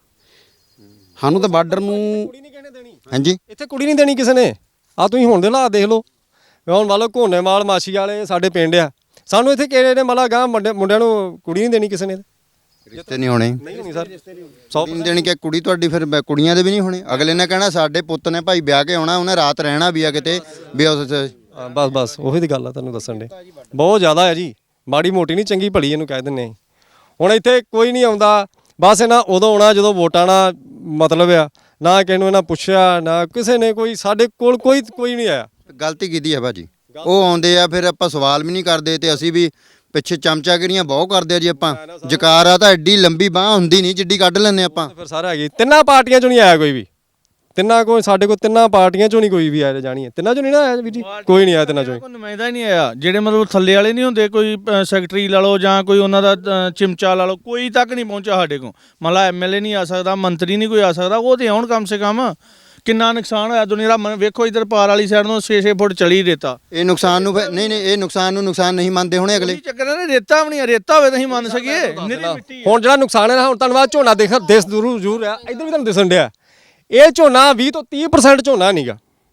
ਸਾਨੂੰ ਤਾਂ ਬਾਰਡਰ ਨੂੰ
ਹਾਂਜੀ
ਇੱਥੇ ਕੁੜੀ ਨਹੀਂ ਦੇਣੀ ਕਿਸੇ ਨੇ। ਆ ਤੁਸੀਂ ਹੁਣ ਦੇ ਹਾਲਾਤ ਦੇਖ ਲਓ, ਹੁਣ ਮੰਨ ਲਓ ਘੋਨੇਮਾਲ ਮਾਛੀ ਵਾਲੇ ਸਾਡੇ ਪਿੰਡ ਆ, ਸਾਨੂੰ ਇੱਥੇ ਕਿਹੜੇ ਨੇ ਮਤਲਬ ਗਾਂ ਮੁੰਡਿਆਂ ਨੂੰ ਕੁੜੀ ਨਹੀਂ ਦੇਣੀ ਕਿਸੇ ਨੇ।
ਰਿਸ਼ਤੇ ਨਹੀਂ ਹੋਣੇ,
ਨਹੀਂ ਹੋਣੀ ਸਰ,
ਕੁੜੀ ਨਹੀਂ ਦੇਣੀ ਕਿ ਕੁੜੀ ਤੁਹਾਡੀ ਫਿਰ ਬ- ਕੁੜੀਆਂ ਦੇ ਵੀ ਨਹੀਂ ਹੋਣੇ। ਅਗਲੇ ਨੇ ਕਹਿਣਾ ਸਾਡੇ ਪੁੱਤ ਨੇ ਭਾਈ ਵਿਆਹ ਕੇ ਆਉਣਾ, ਉਹਨੇ ਰਾਤ ਰਹਿਣਾ ਵੀ ਆ ਕਿਤੇ ਵੀ ਉਸ
ਹਾਂ, ਬਸ ਬਸ ਉਹੀ ਦੀ ਗੱਲ ਆ ਤੁਹਾਨੂੰ ਦੱਸਣ ਦੇ, ਬਹੁਤ ਜ਼ਿਆਦਾ ਹੈ ਜੀ, ਮਾੜੀ ਮੋਟੀ ਨਹੀਂ ਚੰਗੀ ਭਲੀ ਇਹਨੂੰ ਕਹਿ ਦਿੰਦੇ। ਹੁਣ ਇੱਥੇ ਕੋਈ ਨਹੀਂ ਆਉਂਦਾ, ਬਸ ਇਹਨਾਂ ਉਦੋਂ ਆਉਣਾ ਜਦੋਂ ਵੋਟਾਂ ਨਾਲ ਮਤਲਬ ਆ, ਨਾ ਕਿਸੇ ਨੂੰ ਇਹਨਾਂ ਪੁੱਛਿਆ ਨਾ ਕਿਸੇ ਨੇ, ਕੋਈ ਸਾਡੇ ਕੋਲ ਕੋਈ ਕੋਈ ਨਹੀਂ ਆਇਆ।
ਗਲਤੀ ਕੀਤੀ ਹੈ ਭਾਜੀ, ਉਹ ਆਉਂਦੇ ਆ ਫਿਰ ਆਪਾਂ ਸਵਾਲ ਵੀ ਨਹੀਂ ਕਰਦੇ ਤੇ ਅਸੀਂ ਵੀ ਪਿੱਛੇ ਚਮਚਾਗਿਰੀਆਂ ਬਹੁਤ ਕਰਦੇ ਆ ਜੀ। ਆਪਾਂ ਜਕਾਰਾ ਤਾਂ ਐਡੀ ਲੰਬੀ ਬਾਹ ਹੁੰਦੀ ਨਹੀਂ ਜਿੱਡੀ ਕੱਢ ਲੈਂਦੇ ਆਪਾਂ।
ਫਿਰ ਸਾਰਾ ਹੈਗੀ, ਤਿੰਨਾਂ ਪਾਰਟੀਆਂ ਚੋਂ ਨਹੀਂ ਆਇਆ ਕੋਈ ਵੀ, ਤਿੰਨਾਂ ਕੋਈ ਸਾਡੇ ਕੋਲ ਤਿੰਨਾਂ ਪਾਰਟੀਆਂ ਚੋਂ ਨਹੀਂ ਕੋਈ ਵੀ ਆਇਆ ਜਾਣੀ ਹੈ, ਤਿੰਨਾਂ ਚੋਂ ਨਹੀਂ ਨਾ ਆਇਆ ਵੀਰ ਜੀ, ਕੋਈ ਨਹੀਂ ਆਇਆ ਤਿੰਨਾਂ ਚੋਂ।
ਕੋਈ ਨੁਮਾਇੰਦਾ ਹੀ ਨਹੀਂ ਆਇਆ, ਜਿਹੜੇ ਮਤਲਬ ਥੱਲੇ ਵਾਲੇ ਨਹੀਂ ਹੁੰਦੇ, ਕੋਈ ਅ, ਸੈਕਟਰੀ ਲਾ ਲਓ ਜਾਂ ਕੋਈ ਉਹਨਾਂ ਦਾ ਅ, ਚਿਮਚਾ ਲਾ ਲਓ, ਕੋਈ ਤੱਕ ਨਹੀਂ ਪਹੁੰਚਿਆ ਸਾਡੇ ਕੋਲ। ਮਤਲਬ ਐਮਐਲਏ ਨਹੀਂ ਆ ਸਕਦਾ, ਮੰਤਰੀ ਨਹੀਂ ਕੋਈ ਆ ਸਕਦਾ, ਉਹ ਤੇ ਆਉਣ ਕਮ ਸੇ ਕਮ। ਕਿੰਨਾ ਨੁਕਸਾਨ ਹੋਇਆ ਦੁਨੀਆ ਦਾ, ਮ- ਵੇਖੋ ਇਧਰ ਪਾਰ ਵਾਲੀ ਸਾਈਡ ਨੂੰ ਛੇ ਛੇ ਫੁੱਟ ਚਲੀ ਰੇਤਾ।
ਇਹ ਨੁਕਸਾਨ ਨੂੰ ਫਿਰ- ਨਹੀਂ ਨਹੀਂ ਇਹ ਨੁਕਸਾਨ ਨੂੰ ਨੁਕਸਾਨ ਨਹੀਂ ਮੰਨਦੇ ਹੋਣੇ ਅਗਲੇ।
ਕੀ ਚੱਕਰ ਹੈ, ਰੇਤਾ ਵੀ ਨਹੀਂ, ਰੇਤਾ ਹੋਵੇ ਤਾਂ ਅਸੀਂ ਮੰਨ ਸਕੀਏ, ਨਿਰੀ ਮਿੱਟੀ ਹੈ।
ਹੁਣ ਜਿਹੜਾ ਨੁਕਸਾਨ ਹੈ ਨਾ, ਹੁਣ ਧੰਨਵਾਦ ਝੋਨਾ ਦੇਖ ਦੇਸ ਜ਼ਰੂਰ ਜ਼ਰੂਰ ਆ, ਇੱਧਰ ਵੀ ਤੁਹਾਨੂੰ ਦਿਸਣ ਡਿਆ, ਇਹ ਝੋਨਾ ਵੀਹ ਤੋਂ ਤੀਹ ਪਰਸੈਂਟ ਝੋਨਾ ਨਹੀਂਗਾ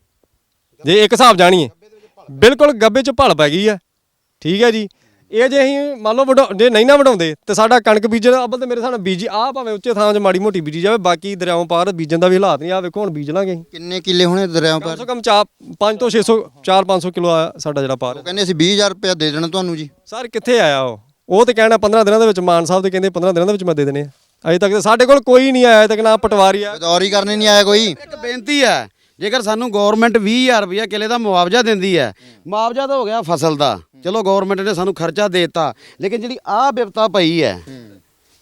ਜੇ ਇੱਕ ਹਿਸਾਬ ਜਾਣੀਏ, ਬਿਲਕੁਲ ਗੱਬੇ 'ਚ ਭਲ ਪੈ ਗਈ ਆ। ਠੀਕ ਹੈ ਜੀ, ਇਹ ਜੇ ਅਸੀਂ ਮੰਨ ਲਓ ਵਡਾ ਜੇ ਨਹੀਂ ਨਾ ਵਡਾਉਂਦੇ ਤੇ ਸਾਡਾ ਕਣਕ ਬੀਜਣ ਅੱਬਲ ਤੇ ਮੇਰੇ ਹਿਸਾਬ ਨਾਲ ਬੀਜੀ ਆ, ਭਾਵੇਂ ਉੱਚੇ ਥਾਂ 'ਚ ਮਾੜੀ ਮੋਟੀ ਬੀਜੀ ਜਾਵੇ, ਬਾਕੀ ਦਰਿਆਓਂ ਪਾਰ ਬੀਜਣ ਦਾ ਵੀ ਹਾਲਾਤ ਨਹੀਂ। ਆ ਵੇਖੋ ਹੁਣ ਬੀਜ ਲਾਂਗੇ ਅਸੀਂ,
ਕਿੰਨੇ ਕਿੱਲੇ ਹੋਣੇ ਦਰਿਆਵਾਂ
ਕਮ
ਪਰ?
ਸੇ ਕਮ ਚਾਰ ਪੰਜ ਤੋਂ ਛੇ ਸੌ ਚਾਰ ਪੰਜ ਸੌ ਕਿਲੋ ਆ ਸਾਡਾ ਜਿਹੜਾ ਪਾਰ।
ਉਹ ਕਹਿੰਦੇ ਅਸੀਂ ਵੀਹ ਹਜ਼ਾਰ ਰੁਪਇਆ ਦੇ ਦੇਣਾ ਤੁਹਾਨੂੰ ਜੀ।
ਸਰ ਕਿੱਥੇ ਆਇਆ ਉਹ ਉਹ ਤੇ ਕਹਿਣਾ ਪੰਦਰਾਂ ਦਿਨਾਂ ਦੇ ਵਿੱਚ, ਮਾਨ ਸਾਹਿਬ ਤੇ ਕਹਿੰਦੇ ਪੰਦਰਾਂ ਦਿਨਾਂ ਦੇ ਵਿੱਚ ਮੈਂ ਦੇ ਦੇਣੇ ਆ। ਅਜੇ ਤੱਕ ਤਾਂ ਸਾਡੇ ਕੋਲ ਕੋਈ ਨਹੀਂ ਆਇਆ, ਅਜੇ ਤੱਕ ਨਾ ਪਟਵਾਰੀ ਆ।
ਗਦੌਰੀ ਕਰਨੇ ਨਹੀਂ ਆਇਆ ਕੋਈ।
ਇੱਕ ਬੇਨਤੀ ਹੈ, ਜੇਕਰ ਸਾਨੂੰ ਗਵਰਨਮੈਂਟ ਵੀਹ ਹਜ਼ਾਰ ਰੁਪਇਆ ਕਿੱਲੇ ਦਾ ਮੁਆਵਜ਼ਾ ਦਿੰਦੀ ਹੈ, ਮੁਆਵਜ਼ਾ ਤਾਂ ਹੋ ਗਿਆ ਫਸਲ ਦਾ, ਚਲੋ ਗਵਰਨਮੈਂਟ ਨੇ ਸਾਨੂੰ ਖਰਚਾ ਦੇ ਦਿੱਤਾ, ਲੇਕਿਨ ਜਿਹੜੀ ਆਹ ਵਿਪਤਾ ਪਈ ਹੈ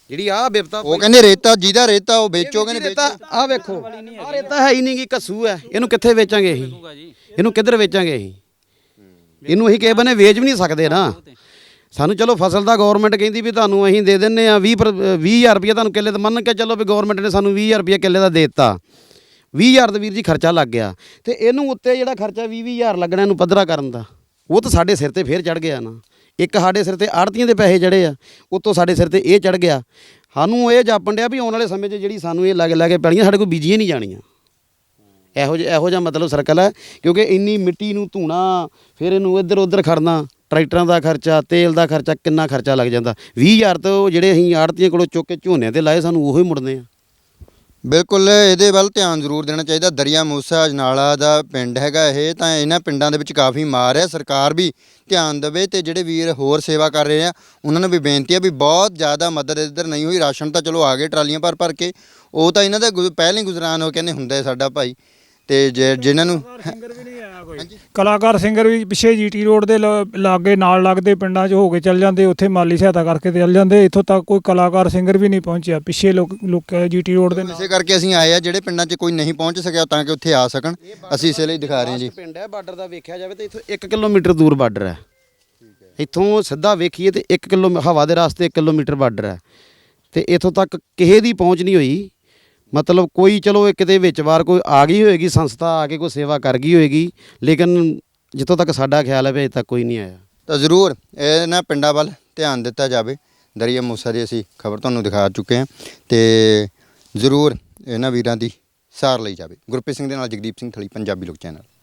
ਜਿਹੜੀ ਆਹ ਬਿਪਤਾ
ਉਹ ਕਹਿੰਦੇ ਰੇਤਾ ਜਿਹਦਾ ਰੇਤਾ ਉਹ ਵੇਚੋ, ਕਹਿੰਦੇ
ਰੇਤਾ
ਵੇਚੋ।
ਆਹ ਵੇਖੋ ਆਹ ਰੇਤਾ ਹੈ ਹੀ ਨਹੀਂ ਗੀ, ਕੱਸੂ ਹੈ, ਇਹਨੂੰ ਕਿੱਥੇ ਵੇਚਾਂਗੇ ਅਸੀਂ? ਇਹਨੂੰ ਕਿੱਧਰ ਵੇਚਾਂਗੇ ਅਸੀਂ? ਇਹਨੂੰ ਅਸੀਂ ਕਿਸੇ ਬੰਨੇ ਵੇਚ ਵੀ ਨਹੀਂ ਸਕਦੇ ਨਾ। ਸਾਨੂੰ ਚਲੋ ਫਸਲ ਦਾ ਗਵਰਨਮੈਂਟ ਕਹਿੰਦੀ ਵੀ ਤੁਹਾਨੂੰ ਅਸੀਂ ਦੇ ਦਿੰਨੇ ਆ ਵੀਹ ਵੀਹ ਹਜ਼ਾਰ ਰੁਪਏ ਤੁਹਾਨੂੰ ਕਿੱਲੇ ਦਾ, ਮੰਨ ਕੇ ਚੱਲੋ ਵੀ ਗਵਰਨਮੈਂਟ ਨੇ ਸਾਨੂੰ ਵੀਹ ਹਜ਼ਾਰ ਰੁਪਏ ਕਿੱਲੇ ਦਾ ਦੇ ਦਿੱਤਾ, ਵੀਹ ਹਜ਼ਾਰ ਦਾ ਵੀਰ ਜੀ ਖਰਚਾ ਲੱਗ ਗਿਆ, ਤੇ ਇਹਨੂੰ ਉੱਤੇ ਜਿਹੜਾ ਖਰਚਾ ਵੀਹ ਵੀਹ ਹਜ਼ਾਰ ਲੱਗਣਾ ਇਹਨੂੰ ਪੱਧਰਾ ਕਰਨ ਦਾ, ਉਹ ਤਾਂ ਸਾਡੇ ਸਿਰ ਤੇ ਫੇਰ ਚੜ ਗਿਆ ਨਾ। ਇੱਕ ਸਾਡੇ ਸਿਰ ਤੇ ਆੜਤੀਆਂ ਦੇ ਪੈਸੇ ਚੜੇ ਆ, ਉੱਤੋਂ ਸਾਡੇ ਸਿਰ ਤੇ ਇਹ ਚੜ ਗਿਆ। ਸਾਨੂੰ ਇਹ ਜਾਪਣ ਡਿਆ ਵੀ ਆਉਣ ਵਾਲੇ ਸਮੇਂ 'ਚ ਜਿਹੜੀ ਸਾਨੂੰ ਇਹ ਲੱਗ ਲੱਗ ਕੇ ਪੈਣੀਆਂ ਸਾਡੇ ਕੋਲ ਬੀਜੀਆਂ ਨਹੀਂ ਜਾਣੀਆਂ। ਇਹੋ ਜਿਹਾ ਇਹੋ ਜਿਹਾ ਮਤਲਬ ਸਰਕਲ ਹੈ, ਕਿਉਂਕਿ ਇੰਨੀ ਮਿੱਟੀ ਨੂੰ ਧੂਣਾ, ਫਿਰ ਇਹਨੂੰ ਇੱਧਰ ਉੱਧਰ ਖੜਨਾ, ਟਰੈਕਟਰਾਂ ਦਾ ਖਰਚਾ, ਤੇਲ ਦਾ ਖਰਚਾ, ਕਿੰਨਾ ਖਰਚਾ ਲੱਗ ਜਾਂਦਾ। ਵੀਹ ਹਜ਼ਾਰ ਤੋਂ ਜਿਹੜੇ ਅਸੀਂ ਆੜਤੀਆਂ ਕੋਲੋਂ ਚੁੱਕ ਕੇ ਝੋਨੇ ਤੇ ਲਾਏ, ਸਾਨੂੰ ਉਹੀ ਮੁੜਨੇ ਆ।
ਬਿਲਕੁਲ ਇਹਦੇ ਵੱਲ ਧਿਆਨ ਜ਼ਰੂਰ ਦੇਣਾ ਚਾਹੀਦਾ। ਦਰਿਆ ਮੂਸਾ ਅਜਨਾਲਾ ਦਾ ਪਿੰਡ ਹੈਗਾ ਇਹ, ਤਾਂ ਇਹਨਾਂ ਪਿੰਡਾਂ ਦੇ ਵਿੱਚ ਕਾਫੀ ਮਾਰ ਹੈ। ਸਰਕਾਰ ਵੀ ਧਿਆਨ ਦੇਵੇ, ਤੇ ਜਿਹੜੇ ਵੀਰ ਹੋਰ ਸੇਵਾ ਕਰ ਰਹੇ ਆ ਉਹਨਾਂ ਨੂੰ ਵੀ ਬੇਨਤੀ ਹੈ ਵੀ ਬਹੁਤ ਜ਼ਿਆਦਾ ਮਦਦ ਇੱਧਰ ਨਹੀਂ ਹੋਈ। ਰਾਸ਼ਨ ਤਾਂ ਚਲੋ ਆ ਗਏ ਟਰਾਲੀਆਂ ਭਰ ਭਰ ਕੇ, ਉਹ ਤਾਂ ਇਹਨਾਂ ਦਾ ਗੁ- ਪਹਿਲਾਂ ਹੀ ਗੁਜ਼ਰਾਨ ਹੋ ਕਹਿੰਦੇ ਹੁੰਦਾ ਸਾਡਾ ਭਾਈ, ਤੇ ਜੇ ਜਿਨ੍ਹਾਂ ਨੂੰ
ਸਿੰਗਰ ਵੀ ਨਹੀਂ ਆਇਆ ਕੋਈ, ਕਲਾਕਾਰ ਸਿੰਗਰ ਵੀ ਪਿੱਛੇ ਜੀਟੀ ਰੋਡ ਦੇ ਲ- ਲਾਗੇ ਨਾਲ ਲੱਗਦੇ ਪਿੰਡਾਂ 'ਚ ਹੋ ਕੇ ਚੱਲ ਜਾਂਦੇ, ਉੱਥੇ ਮਾਲੀ ਸਹਾਇਤਾ ਕਰਕੇ ਤੇ ਚੱਲ ਜਾਂਦੇ। ਇੱਥੋਂ ਤੱਕ ਕੋਈ ਕਲਾਕਾਰ ਸਿੰਗਰ ਵੀ ਨਹੀਂ ਪਹੁੰਚਿਆ, ਪਿੱਛੇ ਲੋਕ ਲੋਕ ਜੀਟੀ ਰੋਡ ਦੇ ਨਾਲ।
ਇਸੇ ਕਰਕੇ ਅਸੀਂ ਆਏ ਆ, ਜਿਹੜੇ ਪਿੰਡਾਂ 'ਚ ਕੋਈ ਨਹੀਂ ਪਹੁੰਚ ਸਕਿਆ ਤਾਂ ਕਿ ਉੱਥੇ ਆ ਸਕਣ, ਅਸੀਂ ਇਸੇ ਲਈ ਦਿਖਾ ਰਹੇ ਹਾਂ ਜੀ।
ਪਿੰਡ ਹੈ ਬਾਰਡਰ ਦਾ, ਵੇਖਿਆ ਜਾਵੇ ਤਾਂ ਇੱਥੋਂ ਇੱਕ ਕਿਲੋਮੀਟਰ ਦੂਰ ਬਾਰਡਰ ਹੈ। ਇੱਥੋਂ ਸਿੱਧਾ ਵੇਖੀਏ ਤੇ ਇੱਕ ਕਿਲੋ ਹਵਾ ਦੇ ਰਸਤੇ ਇੱਕ ਕਿਲੋਮੀਟਰ ਬਾਰਡਰ ਹੈ, ਤੇ ਇੱਥੋਂ ਤੱਕ ਕਿਸੇ ਦੀ ਪਹੁੰਚ ਨਹੀਂ ਹੋਈ। ਮਤਲਬ ਕੋਈ ਚਲੋ ਇਹ ਕਿਤੇ ਵਿੱਚ ਵਾਰ ਕੋਈ ਆ ਗਈ ਹੋਏਗੀ, ਸੰਸਥਾ ਆ ਕੇ ਕੋਈ ਸੇਵਾ ਕਰ ਗਈ ਹੋਏਗੀ, ਲੇਕਿਨ ਜਿੱਥੋਂ ਤੱਕ ਸਾਡਾ ਖਿਆਲ ਹੈ ਵੀ ਅਜੇ ਤੱਕ ਕੋਈ ਨਹੀਂ ਆਇਆ।
ਤਾਂ ਜ਼ਰੂਰ ਇਹਨਾਂ ਪਿੰਡਾਂ ਵੱਲ ਧਿਆਨ ਦਿੱਤਾ ਜਾਵੇ। ਦਰਿਆ ਮੂਸਾ ਦੀ ਅਸੀਂ ਖਬਰ ਤੁਹਾਨੂੰ ਦਿਖਾ ਚੁੱਕੇ ਹਾਂ, ਤੇ ਜ਼ਰੂਰ ਇਹਨਾਂ ਵੀਰਾਂ ਦੀ ਸਾਰ ਲਈ ਜਾਵੇ। ਗੁਰਪ੍ਰੀਤ ਸਿੰਘ ਦੇ ਨਾਲ ਜਗਦੀਪ ਸਿੰਘ ਥਲੀ, ਪੰਜਾਬੀ ਲੋਕ ਚੈਨਲ।